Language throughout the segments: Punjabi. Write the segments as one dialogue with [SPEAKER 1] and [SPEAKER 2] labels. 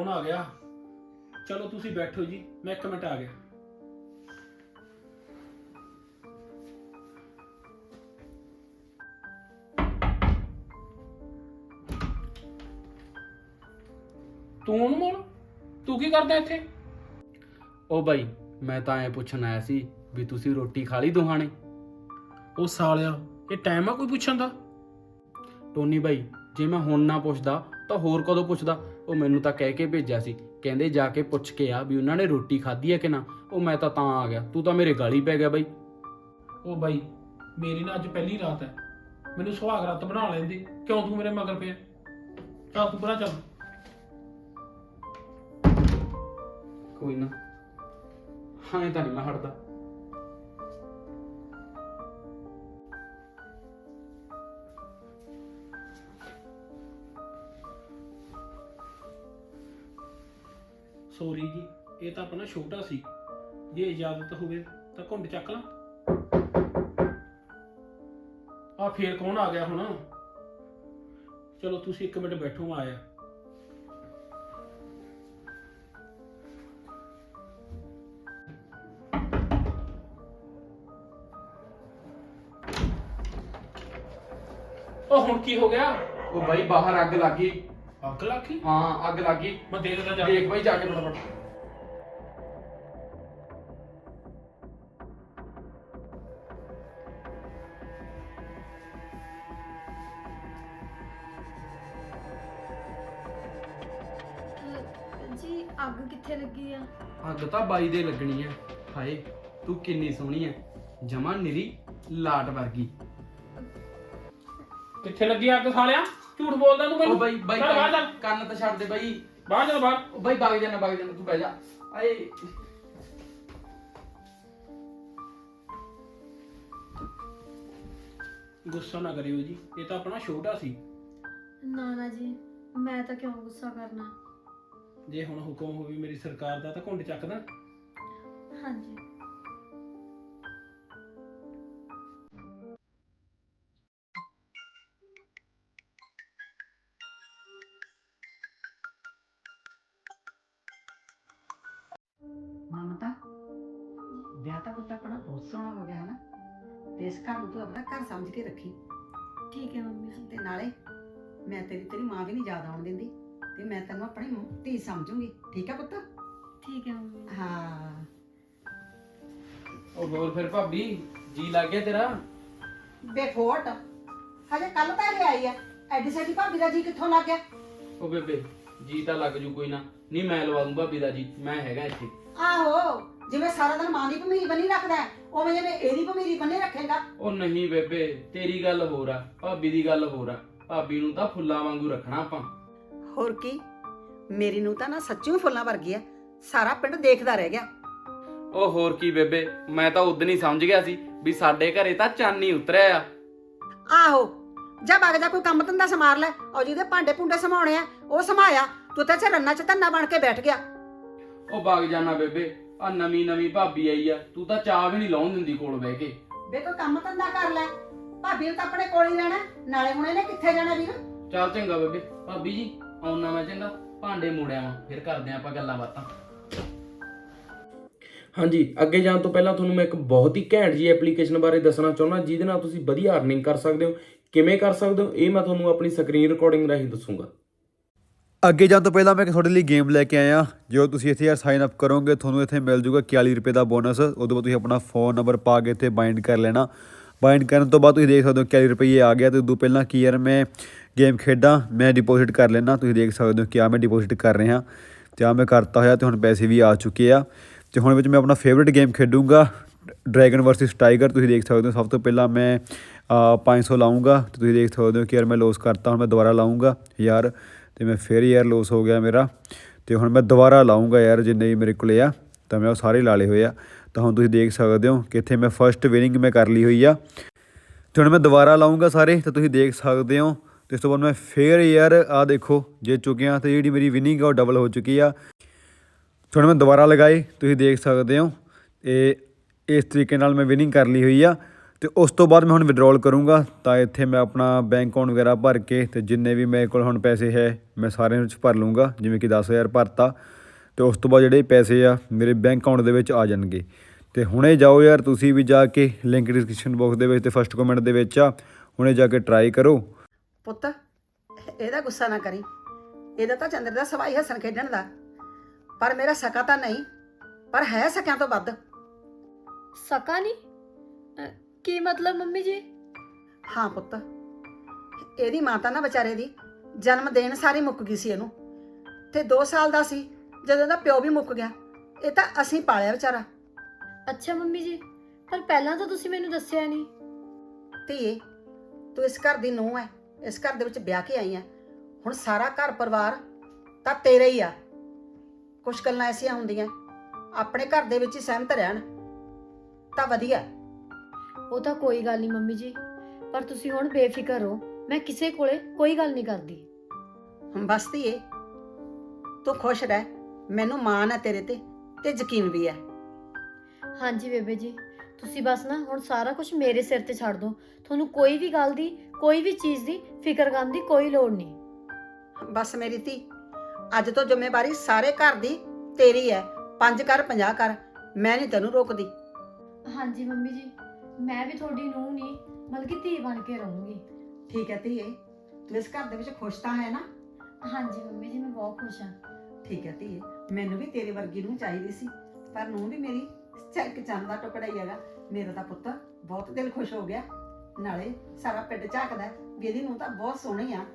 [SPEAKER 1] कौन आ गया? चलो तुसी बैठो जी, मैं 1 मिनट आ गया। तू अनमोल, तू की करदा इत्थे?
[SPEAKER 2] ओ बाई मैं ਤਾਂ ਐ ਪੁੱਛਣ ਆਇਆ ਸੀ ਵੀ ਤੁਸੀਂ ਰੋਟੀ ਖਾ ਲਈ ਦੋਹਾਂ ਨੇ।
[SPEAKER 1] ਉਹ ਸਾਲਿਆ, ਇਹ ਟਾਈਮ ਆ ਕੋਈ ਪੁੱਛਣ ਦਾ?
[SPEAKER 2] ਟੋਨੀ ਬਾਈ ਜੇ ਮੈਂ ਹੁਣ ਨਾ ਪੁੱਛਦਾ ਤਾਂ ਹੋਰ ਕਦੋਂ ਪੁੱਛਦਾ। ਉਹ ਮੈਨੂੰ ਤਾਂ ਕਹਿ ਕੇ ਭੇਜਿਆ ਸੀ, ਕਹਿੰਦੇ ਜਾ ਕੇ ਪੁੱਛ ਕੇ ਆ ਵੀ ਉਹਨਾਂ ਨੇ ਰੋਟੀ ਖਾਧੀ ਹੈ ਕਿ ਨਾ। ਉਹ ਮੈਂ ਤਾਂ ਆ ਗਿਆ, ਤੂੰ ਤਾਂ ਮੇਰੇ ਗਾਲੀ ਪੈ ਗਿਆ ਬਾਈ।
[SPEAKER 1] ਉਹ ਬਾਈ ਮੇਰੀ ਨਾ ਅੱਜ ਪਹਿਲੀ ਰਾਤ ਹੈ, ਮੈਨੂੰ ਸੁਹਾਗ ਰਾਤ ਬਣਾ ਲੈਂਦੀ, ਕਿਉਂ ਤੂੰ ਮੇਰੇ ਮਗਰ ਪਿਆ? ਚੱਲ ਤੂੰ ਪਰਾਂ ਚੱਲ।
[SPEAKER 2] ਕੋਈ ਨਾ, ਹਾਂ ਤਾਂ ਨਹੀਂ ਮੈਂ ਹਟਦਾ।
[SPEAKER 1] ਸੋਰੀ ਜੀ, ਇਹ ਤਾਂ ਆਪਣਾ ਛੋਟਾ ਸੀ, ਜੇ ਇਜਾਜ਼ਤ ਹੋਵੇ ਤਾਂ ਘੁੰਡ ਚੱਕ ਲਾਂ। ਆ ਫੇਰ ਕੌਣ ਆ ਗਿਆ ਹੁਣ? ਚਲੋ ਤੁਸੀਂ 1 ਮਿੰਟ ਬੈਠੋ, ਮੈਂ ਆਇਆ। ਉਹ ਹੁਣ ਕੀ ਹੋ ਗਿਆ?
[SPEAKER 2] ਉਹ ਬਾਈ ਬਾਹਰ ਅੱਗ ਲੱਗ ਗਈ।
[SPEAKER 1] ਅੱਗ ਲੱਗ ਗਈ?
[SPEAKER 2] ਹਾਂ ਅੱਗ ਲੱਗ ਗਈ।
[SPEAKER 1] ਮੈਂ ਦੇਖਦਾ ਜਾ
[SPEAKER 2] ਦੇਖ ਬਾਈ ਜਾ ਕੇ ਫਟਾਫਟ।
[SPEAKER 3] ਜੀ ਅੱਗ ਕਿੱਥੇ ਲੱਗੀ ਆ?
[SPEAKER 2] ਅੱਗ ਤਾਂ ਬਾਈ ਦੇ ਲੱਗਣੀ ਹੈ। ਹਾਏ ਤੂੰ ਕਿੰਨੀ ਸੋਹਣੀ ਹੈ, ਜਮਾ ਨਿਰੀ ਲਾਟ ਵਰਗੀ।
[SPEAKER 1] ਕਿੱਥੇ ਲੱਗੀ ਅੱਗ ਸਾਲਿਆ? ਝੂਠ ਬੋਲਦਾ ਤੂੰ ਮੈਨੂੰ।
[SPEAKER 2] ਉਹ ਬਾਈ ਬਾਈ
[SPEAKER 1] ਚੱਲ ਬਾਹਰ ਚੱਲ,
[SPEAKER 2] ਕੰਨ ਤਾਂ ਛੱਡ ਦੇ ਬਾਈ।
[SPEAKER 1] ਬਾਹਰ ਚੱਲ ਬਾਹਰ।
[SPEAKER 2] ਉਹ ਬਾਈ ਵਗ ਜਾਣਾ ਤੂੰ ਬਹਿ ਜਾ। ਆਏ
[SPEAKER 1] ਗੁੱਸਾ ਨਾ ਕਰਿਓ ਜੀ, ਇਹ ਤਾਂ ਆਪਣਾ ਛੋਟਾ ਸੀ।
[SPEAKER 3] ਨਾ ਜੀ, ਮੈਂ ਤਾਂ ਕਿਉਂ ਗੁੱਸਾ ਕਰਨਾ।
[SPEAKER 1] ਜੇ ਹੁਣ ਹੁਕਮ ਹੋਵੇ ਮੇਰੀ ਸਰਕਾਰ ਦਾ ਤਾਂ ਘੁੰਡ ਚੱਕਦਾ।
[SPEAKER 3] ਹਾਂਜੀ
[SPEAKER 4] ਮਮਤਾ ਵਿਆਹ ਤਾਂ ਪੁੱਤ ਆਪਣਾ ਬਹੁਤ ਸੋਹਣਾ ਹੋ ਗਿਆ ਹੈ ਨਾ, ਤੇ ਇਸ ਘਰ ਨੂੰ ਤੂੰ ਆਪਣਾ ਘਰ ਸਮਝ ਕੇ ਰੱਖੀ।
[SPEAKER 3] ਠੀਕ ਹੈ ਮੰਮੀ ਜੀ।
[SPEAKER 4] ਤੇ ਨਾਲੇ ਮੈਂ ਤੇਰੀ ਮਾਂ ਵੀ ਨਹੀਂ ਯਾਦ ਆਉਣ ਦਿੰਦੀ, ਤੇ ਮੈਂ ਤੈਨੂੰ ਆਪਣੀ ਧੀ ਸਮਝੂੰਗੀ। ਠੀਕ ਹੈ ਪੁੱਤ?
[SPEAKER 3] ਠੀਕ ਹੈ ਮੰਮੀ।
[SPEAKER 4] ਹਾਂ।
[SPEAKER 2] ਉਹ ਹੋਰ ਫਿਰ ਭਾਬੀ ਜੀ ਲੱਗ ਗਿਆ ਤੇਰਾ?
[SPEAKER 4] ਬੇਫੋਟ ਹਜੇ ਕੱਲ ਤਾਂ ਇਹ ਆਈ ਆ, ਐਡੀ ਸਾਡੀ ਭਾਬੀ ਦਾ ਜੀ ਕਿੱਥੋਂ ਲੱਗ ਗਿਆ?
[SPEAKER 2] ਉਹ ਬੇਬੇ ਜੀ ਤਾਂ ਲੱਗ ਜੂ, ਕੋਈ ਨਾ। ਨਹੀਂ ਮੈਂ ਲਵਾ ਦੂੰ ਭਾਬੀ ਦਾ ਜੀ, ਮੈਂ ਹੈਗਾ ਇੱਥੇ।
[SPEAKER 4] ਆਹੋ, ਜਿਵੇਂ ਸਾਰਾ ਦਿਨ ਮਾਂ ਦੀ ਭਮੀਰੀ ਬੰਨੀ ਰੱਖਦਾ ਹੈ, ਉਵੇਂ ਜਿਵੇਂ ਇਹਦੀ ਭਮੀਰੀ ਬੰਨੇ ਰੱਖੇਗਾ।
[SPEAKER 2] ਉਹ ਨਹੀਂ ਬੇਬੇ, ਤੇਰੀ ਗੱਲ ਹੋਰ ਆ, ਭਾਬੀ ਦੀ ਗੱਲ ਹੋਰ ਆ। ਭਾਬੀ ਨੂੰ ਤਾਂ ਫੁੱਲਾਂ ਵਾਂਗੂ ਰੱਖਣਾ ਆਪਾਂ।
[SPEAKER 4] ਹੋਰ ਕੀ, ਮੇਰੀ ਨੂੰ ਤਾਂ ਨਾ ਸੱਚੀ ਫੁੱਲਾਂ ਵਰਗੀ ਆ, ਸਾਰਾ ਪਿੰਡ ਦੇਖਦਾ ਰਹਿ ਗਿਆ।
[SPEAKER 2] ਉਹ ਹੋਰ ਕੀ ਬੇਬੇ, ਮੈਂ ਤਾਂ ਉਦੋਂ ਹੀ ਸਮਝ ਗਿਆ ਸੀ ਵੀ ਸਾਡੇ ਘਰੇ ਤਾਂ ਚੰਨ ਹੀ ਉਤਰਿਆ ਆ।
[SPEAKER 4] ਆਹੋ, ਜਾ ਵਗ ਜਾ, ਕੋਈ ਕੰਮ ਧੰਦਾ ਸਮਾਰ ਲੈ। ਉਹ ਜਿਹਦੇ ਭਾਂਡੇ ਭੁੰਡੇ ਸਮਾਉਣੇ ਆ ਉਹ ਸਮਾਇਆ, ਤੂੰ ਤਾਂ ਰੰਨਾ ਚ ਧੰਨਾ ਬਣ ਕੇ ਬੈਠ ਗਿਆ।
[SPEAKER 2] ਉਹ ਵਗ ਜਾਣਾ ਬੇਬੇ, ਆ ਨਵੀਂ ਭਾਬੀ ਆਈ ਆ, ਤੂੰ ਤਾਂ ਚਾਹ ਵੀ ਨਹੀਂ ਲਾਉਣ ਦਿੰਦੀ ਕੋਲ ਬਹਿ ਕੇ।
[SPEAKER 4] ਵੇ ਕੋਈ ਕੰਮ ਧੰਦਾ ਕਰ ਲੈ, ਭਾਬੀ ਨੂੰ ਤਾਂ ਆਪਣੇ ਕੋਲ ਹੀ ਰਹਿਣਾ, ਨਾਲੇ ਹੁਣ ਇਹਨੇ ਕਿੱਥੇ ਜਾਣਾ ਵੀਰ?
[SPEAKER 2] ਚੱਲ ਚੰਗਾ ਬੇਬੇ। ਭਾਬੀ ਜੀ ਆਉਣਾ ਮੈਂ, ਚੰਗਾ ਭਾਂਡੇ ਮੋੜਿਆ ਵਾਂ, ਫਿਰ ਕਰਦੇ ਆਪਾਂ ਗੱਲਾਂ ਬਾਤਾਂ।
[SPEAKER 1] ਹਾਂਜੀ, ਅੱਗੇ ਜਾਣ ਤੋਂ ਪਹਿਲਾਂ ਤੁਹਾਨੂੰ ਮੈਂ ਇੱਕ ਬਹੁਤ ਹੀ ਘੈਂਟ ਜੀ ਐਪਲੀਕੇਸ਼ਨ ਬਾਰੇ ਦੱਸਣਾ ਚਾਹੁੰਦਾ, ਜਿਹਦੇ ਨਾਲ ਤੁਸੀਂ ਵਧੀਆ ਅਰਨਿੰਗ ਕਰ ਸਕਦੇ ਹੋ। ਕਿਵੇਂ ਕਰ ਸਕਦੇ ਹੋ ਇਹ ਮੈਂ ਤੁਹਾਨੂੰ ਆਪਣੀ ਸਕਰੀਨ ਰਿਕਾਰਡਿੰਗ ਰਾਹੀਂ ਦੱਸੂਗਾ।
[SPEAKER 5] ਅੱਗੇ ਜਾਣ ਤੋਂ ਪਹਿਲਾਂ ਮੈਂ ਤੁਹਾਡੇ ਲਈ ਗੇਮ ਲੈ ਕੇ ਆਇਆ। ਜੋ ਤੁਸੀਂ ਇੱਥੇ ਸਾਈਨ ਅਪ ਕਰੋਗੇ ਤੁਹਾਨੂੰ ਇੱਥੇ ਮਿਲ ਜੂਗਾ 41 ਰੁਪਏ ਦਾ ਬੋਨਸ। ਉਦੋਂ ਬਾਅਦ ਤੁਸੀਂ ਆਪਣਾ ਫ਼ੋਨ ਨੰਬਰ ਪਾ ਕੇ ਇੱਥੇ ਬਾਈਂਡ ਕਰ ਲੈਣਾ। ਬਾਈਂਡ ਕਰਨ ਤੋਂ ਬਾਅਦ ਤੁਸੀਂ ਦੇਖ ਸਕਦੇ ਹੋ 41 ਰੁਪਏ ਆ ਗਿਆ। ਤੇ ਉਦੋਂ ਪਹਿਲਾਂ ਕੀ ਯਾਰ ਮੈਂ ਗੇਮ ਖੇਡਾਂ, ਮੈਂ ਡਿਪੋਜ਼ਿਟ ਕਰ ਲੈਣਾ। ਤੁਸੀਂ ਦੇਖ ਸਕਦੇ ਹੋ ਕਿ ਆ ਮੈਂ ਡਿਪੋਜ਼ਿਟ ਕਰ ਰਿਹਾ ਤੇ ਆ ਮੈਂ ਕਰਤਾ ਹੋਇਆ, ਤੇ ਹੁਣ ਪੈਸੇ ਵੀ ਆ ਚੁੱਕੇ ਆ। ਤੇ ਹੁਣ ਵਿੱਚ ਮੈਂ ਆਪਣਾ ਫੇਵਰੇਟ ਗੇਮ ਖੇਡੂੰਗਾ, ਡਰੈਗਨ ਵਰਸਸ ਟਾਈਗਰ। ਤੁਸੀਂ ਦੇਖ ਸਕਦੇ ਹੋ ਸਭ ਤੋਂ ਪਹਿਲਾਂ ਮੈਂ 500 ਲਾਊਂਗਾ, ਤੇ ਤੁਸੀਂ ਦੇਖ ਸਕਦੇ ਹੋ ਕਿ ਯਾਰ ਮੈਂ ਲੋਸ ਕਰਤਾ। ਹੁਣ ਮੈਂ ਦੁਬਾਰਾ ਲਾਊਂਗਾ ਯਾਰ, ਤੇ ਮੈਂ ਫਿਰ ਯਾਰ ਲੋਸ ਹੋ ਗਿਆ ਮੇਰਾ। ਤੇ ਹੁਣ ਮੈਂ ਦੁਬਾਰਾ ਲਾਊਂਗਾ ਯਾਰ, ਜਿੰਨੇ ਵੀ ਮੇਰੇ ਕੋਲੇ ਆ ਤਾਂ ਮੈਂ ਉਹ ਸਾਰੇ ਲਾ ਲਏ ਹੋਏ ਆ। ਤਾਂ ਹੁਣ ਤੁਸੀਂ ਦੇਖ ਸਕਦੇ ਹੋ ਕਿ ਇੱਥੇ ਮੈਂ ਫਸਟ ਵਿਨਿੰਗ ਮੈਂ ਕਰ ਲਈ ਹੋਈ ਆ। ਤੇ ਹੁਣ ਮੈਂ ਦੁਬਾਰਾ ਲਾਊਂਗਾ ਸਾਰੇ, ਤਾਂ ਤੁਸੀਂ ਦੇਖ ਸਕਦੇ ਹੋ। ਤੇ ਇਸ ਤੋਂ ਬਾਅਦ ਮੈਂ ਫਿਰ ਯਾਰ ਆ ਦੇਖੋ ਜਿੱਤ ਚੁੱਕਿਆ, ਤੇ ਜਿਹੜੀ ਮੇਰੀ ਵਿਨਿੰਗ ਆ ਉਹ ਡਬਲ ਹੋ ਚੁੱਕੀ ਆ। ਹੁਣ ਮੈਂ ਦੁਬਾਰਾ ਲਗਾਏ, ਤੁਸੀਂ ਦੇਖ ਸਕਦੇ ਹੋ। ਇਹ ਇਸ ਤਰੀਕੇ ਨਾਲ ਮੈਂ ਵਿਨਿੰਗ ਕਰ ਲਈ ਹੋਈ ਆ। ਤੇ ਉਸ ਤੋਂ ਬਾਅਦ ਮੈਂ ਹੁਣ ਵਿਡਰਾਲ ਕਰੂੰਗਾ ਤਾਂ ਇੱਥੇ ਮੈਂ ਆਪਣਾ ਬੈਂਕ ਅਕਾਊਂਟ ਵਗੈਰਾ ਭਰ ਕੇ ਤੇ ਜਿੰਨੇ ਵੀ ਮੇਰੇ ਕੋਲ ਹੁਣ ਪੈਸੇ ਹੈ ਮੈਂ ਸਾਰਿਆਂ ਵਿੱਚ ਭਰ ਲੂੰਗਾ, ਜਿਵੇਂ ਕਿ 10,000 ਭਰਤਾ ਤੇ ਉਸ ਤੋਂ ਬਾਅਦ ਜਿਹੜੇ ਪੈਸੇ ਆ ਮੇਰੇ ਬੈਂਕ ਅਕਾਊਂਟ ਦੇ ਵਿੱਚ ਆ ਜਾਣਗੇ। ਤੇ ਹੁਣੇ ਜਾਓ ਯਾਰ ਤੁਸੀਂ ਵੀ ਜਾ ਕੇ, ਲਿੰਕ ਡਿਸਕ੍ਰਿਪਸ਼ਨ ਬਾਕਸ ਦੇ ਵਿੱਚ ਤੇ ਫਸਟ ਕਮੈਂਟ ਦੇ ਵਿੱਚ ਆ, ਹੁਣੇ ਜਾ ਕੇ ਟਰਾਈ ਕਰੋ।
[SPEAKER 4] ਪੁੱਤ ਇਹਦਾ ਗੁੱਸਾ ਨਾ ਕਰੀ, ਇਹਦਾ ਤਾਂ ਚੰਦਰ ਦਾ ਸਵਾਈ ਹੱਸਣ ਖੇਡਣ ਦਾ, ਪਰ ਮੇਰਾ ਸਕਾ ਤਾਂ ਨਹੀਂ, ਪਰ ਹੈ ਸਕਿਆਂ ਤੋਂ ਵੱਧ।
[SPEAKER 3] ਸਕਾ ਨਹੀਂ? ਕੀ ਮਤਲਬ ਮੰਮੀ ਜੀ?
[SPEAKER 4] ਹਾਂ ਪੁੱਤ, ਇਹਦੀ ਮਾਤਾ ਨਾ ਵਿਚਾਰੇ ਦੀ ਜਨਮ ਦੇਣ ਸਾਰੀ ਮੁੱਕ ਗਈ ਸੀ ਇਹਨੂੰ, ਤੇ 2 ਸਾਲ ਦਾ ਸੀ ਜਦੋਂ ਇਹਦਾ ਪਿਓ ਵੀ ਮੁੱਕ ਗਿਆ। ਇਹ ਤਾਂ ਅਸੀਂ ਪਾਲਿਆ ਵਿਚਾਰਾ।
[SPEAKER 3] ਅੱਛਾ ਮੰਮੀ ਜੀ, ਪਰ ਪਹਿਲਾਂ ਤਾਂ ਤੁਸੀਂ ਮੈਨੂੰ ਦੱਸਿਆ ਨਹੀਂ।
[SPEAKER 4] ਧੀਏ ਤੂੰ ਇਸ ਘਰ ਦੀ ਨੂੰਹ ਹੈ, ਇਸ ਘਰ ਦੇ ਵਿੱਚ ਵਿਆਹ ਕੇ ਆਈ ਹੈ, ਹੁਣ ਸਾਰਾ ਘਰ ਪਰਿਵਾਰ ਤਾਂ ਤੇਰਾ ਹੀ ਆ। ਕੁਛ ਗੱਲਾਂ ਐਸੀਆਂ ਹੁੰਦੀਆਂ ਆਪਣੇ ਘਰ ਦੇ ਵਿੱਚ ਹੀ ਸਹਿਮਤ ਰਹਿਣ ਤਾਂ ਵਧੀਆ।
[SPEAKER 3] ਉਹ ਤਾਂ ਕੋਈ ਗੱਲ ਨਹੀਂ ਮੰਮੀ ਜੀ, ਪਰ ਤੁਸੀਂ ਹੁਣ ਬੇਫਿਕਰ ਹੋ, ਮੈਂ ਕਿਸੇ ਕੋਲੇ ਕੋਈ ਗੱਲ ਨਹੀਂ ਕਰਦੀ।
[SPEAKER 4] ਬਸ ਧੀਏ ਤੂੰ ਖੁਸ਼ ਰਹਿ, ਮੈਨੂੰ ਮਾਣ ਹੈ ਤੇਰੇ ਤੇ ਯਕੀਨ ਵੀ ਹੈ।
[SPEAKER 3] ਹਾਂਜੀ ਬੇਬੇ ਜੀ, ਤੁਸੀਂ ਬਸ ਨਾ ਹੁਣ ਸਾਰਾ ਕੁਝ ਮੇਰੇ ਸਿਰ ਤੇ ਛੱਡ ਦਿਓ। ਤੁਹਾਨੂੰ ਕੋਈ ਵੀ ਗੱਲ ਦੀ, ਕੋਈ ਵੀ ਚੀਜ਼ ਦੀ ਫਿਕਰ ਕਰਨ ਦੀ ਕੋਈ ਲੋੜ ਨਹੀਂ।
[SPEAKER 4] ਬਸ ਮੇਰੀ ਧੀ, ਅੱਜ ਤੋਂ ਜ਼ਿੰਮੇਵਾਰੀ ਸਾਰੇ ਘਰ ਦੀ ਤੇਰੀ ਹੈ। 5 ਕਰ 50 ਕਰ, ਮੈਂ ਨਹੀਂ ਤੈਨੂੰ ਰੋਕਦੀ।
[SPEAKER 3] ਹਾਂਜੀ ਮੰਮੀ ਜੀ, ਮੈਂ ਵੀ ਤੁਹਾਡੀ ਨੂੰਹ ਨਹੀਂ ਬਲਕਿ ਧੀ ਬਣ ਕੇ ਰਹੂੰਗੀ।
[SPEAKER 4] ਠੀਕ ਹੈ ਧੀਏ, ਤੂੰ ਇਸ ਘਰ ਦੇ ਵਿੱਚ ਖੁਸ਼ ਤਾਂ ਹੈ ਨਾ?
[SPEAKER 3] ਹਾਂਜੀ ਮੰਮੀ ਜੀ, ਮੈਂ ਬਹੁਤ ਖੁਸ਼ ਹਾਂ।
[SPEAKER 4] ਠੀਕ ਹੈ ਧੀਏ, ਮੈਨੂੰ ਵੀ ਤੇਰੇ ਵਰਗੀ ਨੂੰ ਚਾਹੀਦੀ ਸੀ, ਪਰ ਨੂੰ ਵੀ ਮੇਰੀ ਝਲਕ ਚੰਦ ਦਾ ਟੁਕੜਾ ਹੀ ਹੈਗਾ। ਮੇਰਾ ਤਾਂ ਪੁੱਤ ਬਹੁਤ ਦਿਲ ਖੁਸ਼ ਹੋ ਗਿਆ, ਨਾਲੇ ਸਾਰਾ ਪਿੰਡ ਝਾਕਦਾ ਵੀ ਇਹਦੀ ਨੂੰ ਤਾਂ ਬਹੁਤ ਸੋਹਣੀ ਆ।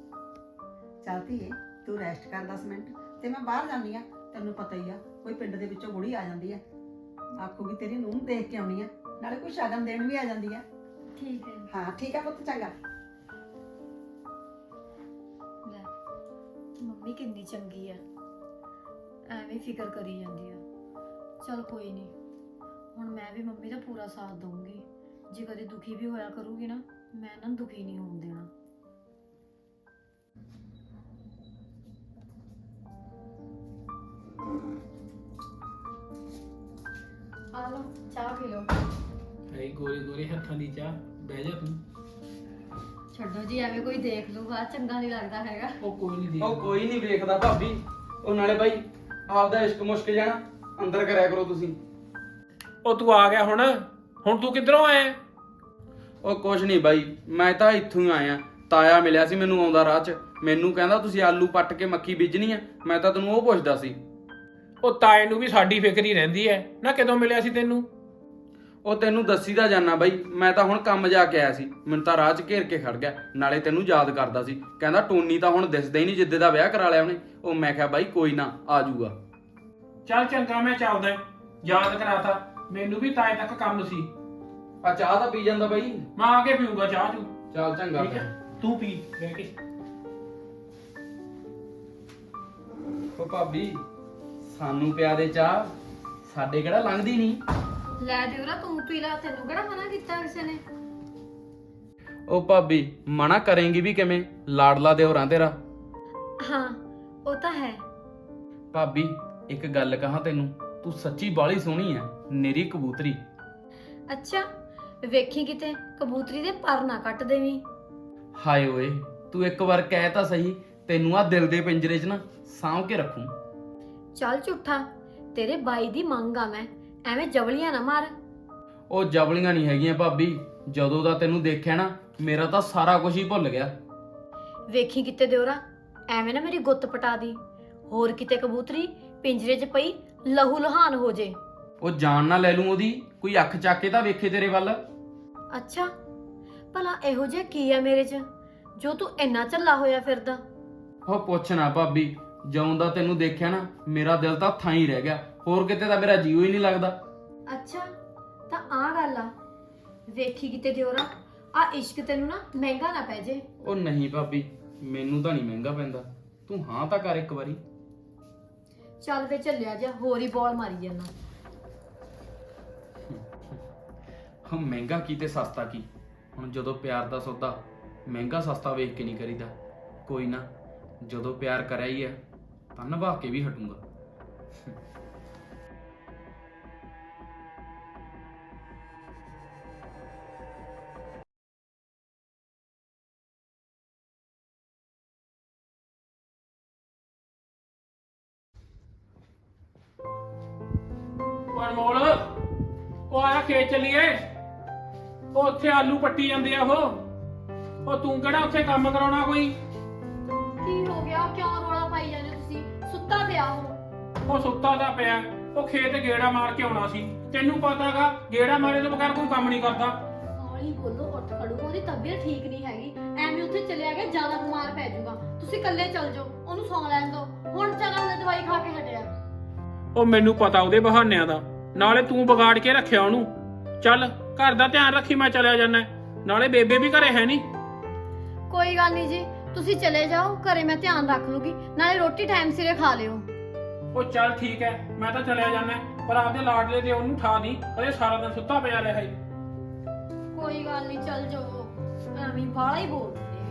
[SPEAKER 4] ਚੱਲ ਧੀਏ ਤੂੰ ਰੈਸਟ ਕਰ 10 ਮਿੰਟ ਤੇ ਮੈਂ ਬਾਹਰ ਜਾਂਦੀ ਆ। ਤੈਨੂੰ ਪਤਾ ਹੀ ਆ ਕੋਈ ਪਿੰਡ ਦੇ ਵਿੱਚੋਂ ਬੁੜੀ ਆ ਜਾਂਦੀ ਆ, ਆਖੂਗੀ ਤੇਰੀ ਨੂੰ ਦੇਖ ਕੇ ਆਉਣੀ ਆ, ਨਾਲੇ ਕੋਈ ਸ਼ਗਨ ਦੇਣ ਵੀ ਆ ਜਾਂਦੀ ਆ।
[SPEAKER 3] ਠੀਕ ਹੈ।
[SPEAKER 4] ਹਾਂ ਠੀਕ ਹੈ ਪੁੱਤ, ਚੰਗਾ।
[SPEAKER 3] ਲੈ, ਮੰਮੀ ਕਿੰਨੀ ਚੰਗੀ ਆ, ਐਵੇਂ ਫਿਕਰ ਕਰੀ ਜਾਂਦੀ ਆ। ਚਲ ਕੋਈ ਨਹੀਂ, ਹੁਣ ਮੈਂ ਵੀ ਮੰਮੀ ਦਾ ਪੂਰਾ ਸਾਥ ਦਊਂਗੀ। ਜੇ ਕਦੇ ਦੁਖੀ ਵੀ ਹੋਇਆ ਕਰੂਗੀ ਨਾ, ਮੈਂ ਇਹਨਾਂ ਨੂੰ ਦੁਖੀ ਨਹੀਂ ਹੋਣ ਦੇਣਾ। ਆ ਲਓ ਚਾਹ ਪੀ ਲਓ।
[SPEAKER 2] ਐ ਗੋਰੇ ਗੋਰੇ ਹੱਥਾਂ ਦੀ ਚਾਹ, ਬਹਿ ਜਾ ਤੂੰ।
[SPEAKER 3] ਛੱਡੋ ਜੀ, ਐਵੇਂ ਕੋਈ ਦੇਖ ਲੂਗਾ, ਚੰਗਾ ਨਹੀਂ ਲੱਗਦਾ ਹੈਗਾ।
[SPEAKER 2] ਉਹ ਕੋਈ ਨਹੀਂ
[SPEAKER 1] ਉਹ ਕੋਈ ਨਹੀਂ ਵੇਖਦਾ ਭਾਬੀ। ਉਹ ਨਾਲੇ ਬਾਈ ਆਪਦਾ ਇਸ਼ਕ ਮੁਸ਼ਕ ਜਾਣਾ ਅੰਦਰ ਕਰਿਆ ਕਰੋ ਤੁਸੀਂ।
[SPEAKER 6] ਉਹ ਤੂੰ ਆ ਗਿਆ ਹੁਣ ਤੂੰ ਕਿੱਧਰੋਂ ਆਇਆ?
[SPEAKER 1] ਉਹ ਕੁਛ ਨਹੀਂ ਬਾਈ, ਮੈਂ ਤਾਂ ਇੱਥੋਂ ਹੀ ਆਇਆ। ਤਾਇਆ ਮਿਲਿਆ ਸੀ ਮੈਨੂੰ ਆਉਂਦਾ ਰਾਹ 'ਚ, ਮੈਨੂੰ ਕਹਿੰਦਾ ਤੁਸੀਂ ਆਲੂ ਪੱਟ ਕੇ ਮੱਕੀ ਬੀਜਣੀ ਆ। ਮੈਂ ਤਾਂ ਤੈਨੂੰ ਉਹ ਪੁੱਛਦਾ ਸੀ।
[SPEAKER 6] ਉਹ ਤਾਏ ਨੂੰ ਵੀ ਸਾਡੀ ਫਿਕਰ ਹੀ ਰਹਿੰਦੀ ਐ ਨਾ। ਕਦੋਂ ਮਿਲਿਆ ਸੀ ਤੈਨੂੰ?
[SPEAKER 1] ਉਹ ਤੈਨੂੰ ਦੱਸੀ ਦਾ ਜਾਨਾ ਬਾਈ, ਮੈਂ ਤਾਂ ਹੁਣ ਕੰਮ ਜਾ ਕੇ ਆਇਆ ਸੀ, ਮੈਨੂੰ ਤਾਂ ਰਾਹ 'ਚ ਘੇਰ ਕੇ ਖੜ ਗਿਆ। ਨਾਲੇ ਤੈਨੂੰ ਯਾਦ ਕਰਦਾ ਸੀ, ਕਹਿੰਦਾ ਟੋਨੀ ਤਾਂ ਹੁਣ ਦਿਸਦਾ ਹੀ ਨਹੀਂ ਜਿੱਦੇ ਦਾ ਵਿਆਹ ਕਰਾ ਲਿਆ ਉਹਨੇ। ਉਹ ਮੈਂ ਕਿਹਾ ਬਾਈ ਕੋਈ ਨਾ, ਆ ਜਾਊਗਾ।
[SPEAKER 6] ਚੱਲ ਚੰਗਾ, ਮੈਂ ਚੱਲਦਾ। ਯਾਦ ਕਰਾਤਾ, ਮੈਨੂੰ ਵੀ ਤਾਏ ਤੱਕ ਕੰਮ ਸੀ।
[SPEAKER 1] ਆ ਚਾਹ ਤਾਂ ਪੀ ਜਾਂਦਾ ਬਾਈ।
[SPEAKER 6] ਮੈਂ ਆ ਕੇ ਪੀਊਂਗਾ ਚਾਹ ਚੂ।
[SPEAKER 1] ਚੱਲ ਚੰਗਾ
[SPEAKER 6] ਠੀਕ ਹੈ, ਤੂੰ ਪੀ ਬਹਿ ਕੇ।
[SPEAKER 1] ਉਹ ਭਾਬੀ ਸਾਨੂੰ ਪਿਆ ਦੇ ਚਾਹ, ਸਾਡੇ ਕਿਹੜਾ ਲੰਘਦੀ ਨਹੀਂ।
[SPEAKER 3] ਲੈ ਦਿਉਰਾ, ਤੂੰ ਪੀ ਲੈ, ਤੈਨੂੰ ਕਿਹੜਾ ਮਨਾ ਕੀਤਾ ਕਿਸੇ ਨੇ?
[SPEAKER 1] ਉਹ ਭਾਬੀ ਮਨਾ ਕਰੇਂਗੀ ਵੀ ਕਿਵੇਂ, ਲਾਡਲਾ ਦਿਓਰਾਂ ਤੇਰਾ।
[SPEAKER 3] ਹਾਂ ਉਹ ਤਾਂ ਹੈ।
[SPEAKER 1] ਭਾਬੀ ਇੱਕ ਗੱਲ ਕਹਾਂ ਤੈਨੂੰ, ਤੂੰ ਸੱਚੀ ਬਾਲੀ ਸੋਹਣੀ ਐ, ਨਿਰੀ ਕਬੂਤਰੀ।
[SPEAKER 3] ਅੱਛਾ, ਵੇਖੀ ਕਿਤੇ ਕਬੂਤਰੀ ਦੇ ਪਰ ਨਾ ਕੱਟ ਦੇਵੀਂ।
[SPEAKER 1] ਹਾਏ ਓਏ, ਤੂੰ ਇੱਕ ਵਾਰ ਕਹਿ ਤਾਂ ਸਹੀ, ਤੈਨੂੰ ਆ ਦਿਲ ਦੇ ਪਿੰਜਰੇ 'ਚ ਨਾ ਸਾਂਭ ਕੇ ਰੱਖੂੰ।
[SPEAKER 3] ਚੱਲ ਝੂਠਾ, ਤੇਰੇ ਬਾਈ ਦੀ ਮੰਗ ਆ, ਮੈਂ ਐਵੇਂ ਜਵਲੀਆਂ ਨਾ ਮਾਰ।
[SPEAKER 1] ਉਹ ਜਵਲੀਆਂ ਨਹੀਂ ਹੈਗੀਆਂ ਭਾਬੀ, ਜਦੋਂ ਦਾ ਤੈਨੂੰ ਦੇਖਿਆ ਨਾ ਮੇਰਾ ਤਾਂ ਸਾਰਾ ਕੁਝ ਹੀ ਭੁੱਲ ਗਿਆ।
[SPEAKER 3] ਵੇਖੀ ਕਿਤੇ ਦਿਉਰਾ, ਐਵੇਂ ਨਾ ਮੇਰੀ ਗੁੱਤ ਪਟਾ ਦੀ, ਹੋਰ ਕਿਤੇ ਕਬੂਤਰੀ ਪਿੰਜਰੇ 'ਚ ਪਈ ਲਹੂ ਲੁਹਾਨ ਹੋ ਜੇ।
[SPEAKER 1] ਉਹ ਜਾਨ ਨਾ ਲੈ ਲੂੰ ਉਹਦੀ, ਕੋਈ ਅੱਖ ਚੱਕ ਕੇ ਤਾਂ ਵੇਖੇ ਤੇਰੇ ਵੱਲ।
[SPEAKER 3] ਅੱਛਾ, ਭਲਾ ਇਹੋ ਜਿਹਾ ਕੀ ਆ ਮੇਰੇ 'ਚ ਜੋ ਤੂੰ ਇੰਨਾ ਝੱਲਾ ਹੋਇਆ ਫਿਰਦਾ?
[SPEAKER 1] ਉਹ ਪੁੱਛ ਨਾ ਭਾਬੀ, ਜਦੋਂ ਦਾ ਤੈਨੂੰ ਦੇਖਿਆ ਨਾ ਮੇਰਾ ਦਿਲ ਤਾਂ ਥਾਂ ਹੀ ਰਹਿ ਗਿਆ, ਹੋਰ ਕਿਤੇ ਤਾਂ ਮੇਰਾ ਜੀਉ ਹੀ ਨਹੀਂ ਲੱਗਦਾ।
[SPEAKER 3] ਅੱਛਾ, ਤਾਂ ਆ ਗੱਲ ਆ। ਵੇਖੀ ਕਿਤੇ ਦਿਉਰਾ, ਆ ਇਸ਼ਕ ਤੈਨੂੰ ਨਾ ਮਹਿੰਗਾ ਨਾ ਪੈ ਜੇ।
[SPEAKER 1] ਉਹ ਨਹੀਂ ਭਾਬੀ, ਮੈਨੂੰ ਤਾਂ ਨਹੀਂ ਮਹਿੰਗਾ ਪੈਂਦਾ, ਤੂੰ ਹਾਂ ਤਾਂ ਕਰ ਇੱਕ ਵਾਰੀ।
[SPEAKER 3] ਚੱਲ ਵੇ ਝੱਲਿਆ ਜਾ, ਹੋਰ ਹੀ ਬੋਲ ਮਾਰੀ ਜਾਂਦਾ।
[SPEAKER 1] ਹਾਂ ਮਹਿੰਗਾ ਕੀ ਤੇ ਸਸਤਾ ਕੀ, ਹੁਣ ਜਦੋਂ ਪਿਆਰ ਦਾ ਸੌਦਾ ਮਹਿੰਗਾ ਸਸਤਾ ਵੇਖ ਕੇ ਨਹੀਂ ਕਰੀਦਾ। ਕੋਈ ਨਾ, ਜਦੋਂ ਪਿਆਰ ਕਰਿਆ ਹੀ ਹੈ ਤਾਂ ਨਿਭਾ ਕੇ ਵੀ ਹਟੂੰਗਾ।
[SPEAKER 6] ਉਹ ਅਨਮੋਲ ਉਹ ਆਇਆ ਖੇਤ ਚੱਲੀਏ। ਉਹ ਉੱਥੇ ਆਲੂ ਪੱਟੀ ਜਾਂਦੇ ਆ ਉਹ ਤੂੰ ਕਿਹੜਾ ਉੱਥੇ ਕੰਮ ਕਰਾਉਣਾ ਕੋਈ?
[SPEAKER 3] ਕੀ ਹੋ ਗਿਆ? ਕਿਉਂ ਰੋਲਾ ਪਾਈ ਜਾਂਦੇ ਹੋ ਤੁਸੀਂ? ਸੁੱਤਾ ਪਿਆ
[SPEAKER 6] ਉਹ ਸੁੱਤਾ ਦਾ ਪਿਆ। ਉਹ ਖੇਤ ਗੇੜਾ ਮਾਰ ਕੇ ਆਉਣਾ ਸੀ। ਤੈਨੂੰ ਪਤਾਗਾ ਗੇੜਾ ਮਾਰੇ ਤੋਂ ਬਗੈਰ ਕੋਈ ਕੰਮ ਨਹੀਂ ਕਰਦਾ।
[SPEAKER 3] ਹੌਲੀ ਬੋਲੋ, ਉੱਠ ਖੜੋ। ਉਹਦੀ ਤਬੀਅਤ ਠੀਕ ਨਹੀਂ ਹੈਗੀ, ਐਵੇਂ ਉੱਥੇ ਚਲਿਆ ਗਿਆ ਜ਼ਿਆਦਾ ਬਿਮਾਰ ਪੈ ਜਾਊਗਾ। ਤੁਸੀਂ ਇਕੱਲੇ ਚੱਲ ਜਾਓ, ਉਹਨੂੰ ਸੌਂ ਲੈਣ ਦਿਓ। ਹੁਣ ਚੱਲ, ਉਹਨੇ ਦਵਾਈ ਖਾ ਕੇ ਹਟਿਆ।
[SPEAKER 6] ਉਹ ਮੈਨੂੰ ਪਤਾ ਉਹਦੇ ਬਹਾਨਿਆਂ ਦਾ, ਨਾਲੇ ਤੂੰ ਵਿਗਾੜ ਕੇ ਰੱਖਿਆ ਉਹਨੂੰ। ਚੱਲ ਘਰ ਦਾ ਧਿਆਨ ਰੱਖੀ, ਮੈਂ ਚਲਿਆ ਜਾਣਾ। ਨਾਲੇ ਬੇਬੇ ਵੀ ਘਰੇ ਹੈ ਨਹੀਂ।
[SPEAKER 3] ਕੋਈ ਗੱਲ ਨਹੀਂ ਜੀ, ਤੁਸੀਂ ਚਲੇ ਜਾਓ, ਘਰੇ ਮੈਂ ਧਿਆਨ ਰੱਖ ਲੂਗੀ। ਨਾਲੇ ਰੋਟੀ ਟਾਈਮ ਸਿਰੇ ਖਾ ਲਿਓ।
[SPEAKER 6] ਉਹ ਚੱਲ ਠੀਕ ਹੈ, ਮੈਂ ਤਾਂ ਚਲਿਆ ਜਾਣਾ, ਪਰ ਆਪਦੇ ਲਾਡਲੇ ਦੇ ਉਹਨੂੰ ਠਾ ਦੀ, ਕਦੇ ਸਾਰਾ ਦਿਨ ਸੁੱਤਾ ਪਿਆ ਰਿਹਾ ਹੈ।
[SPEAKER 3] ਕੋਈ ਗੱਲ ਨਹੀਂ, ਚੱਲ ਜਾਓ। ਐਵੇਂ ਬਾਹਲਾ ਹੀ ਬੋਲਦੇ ਨੇ।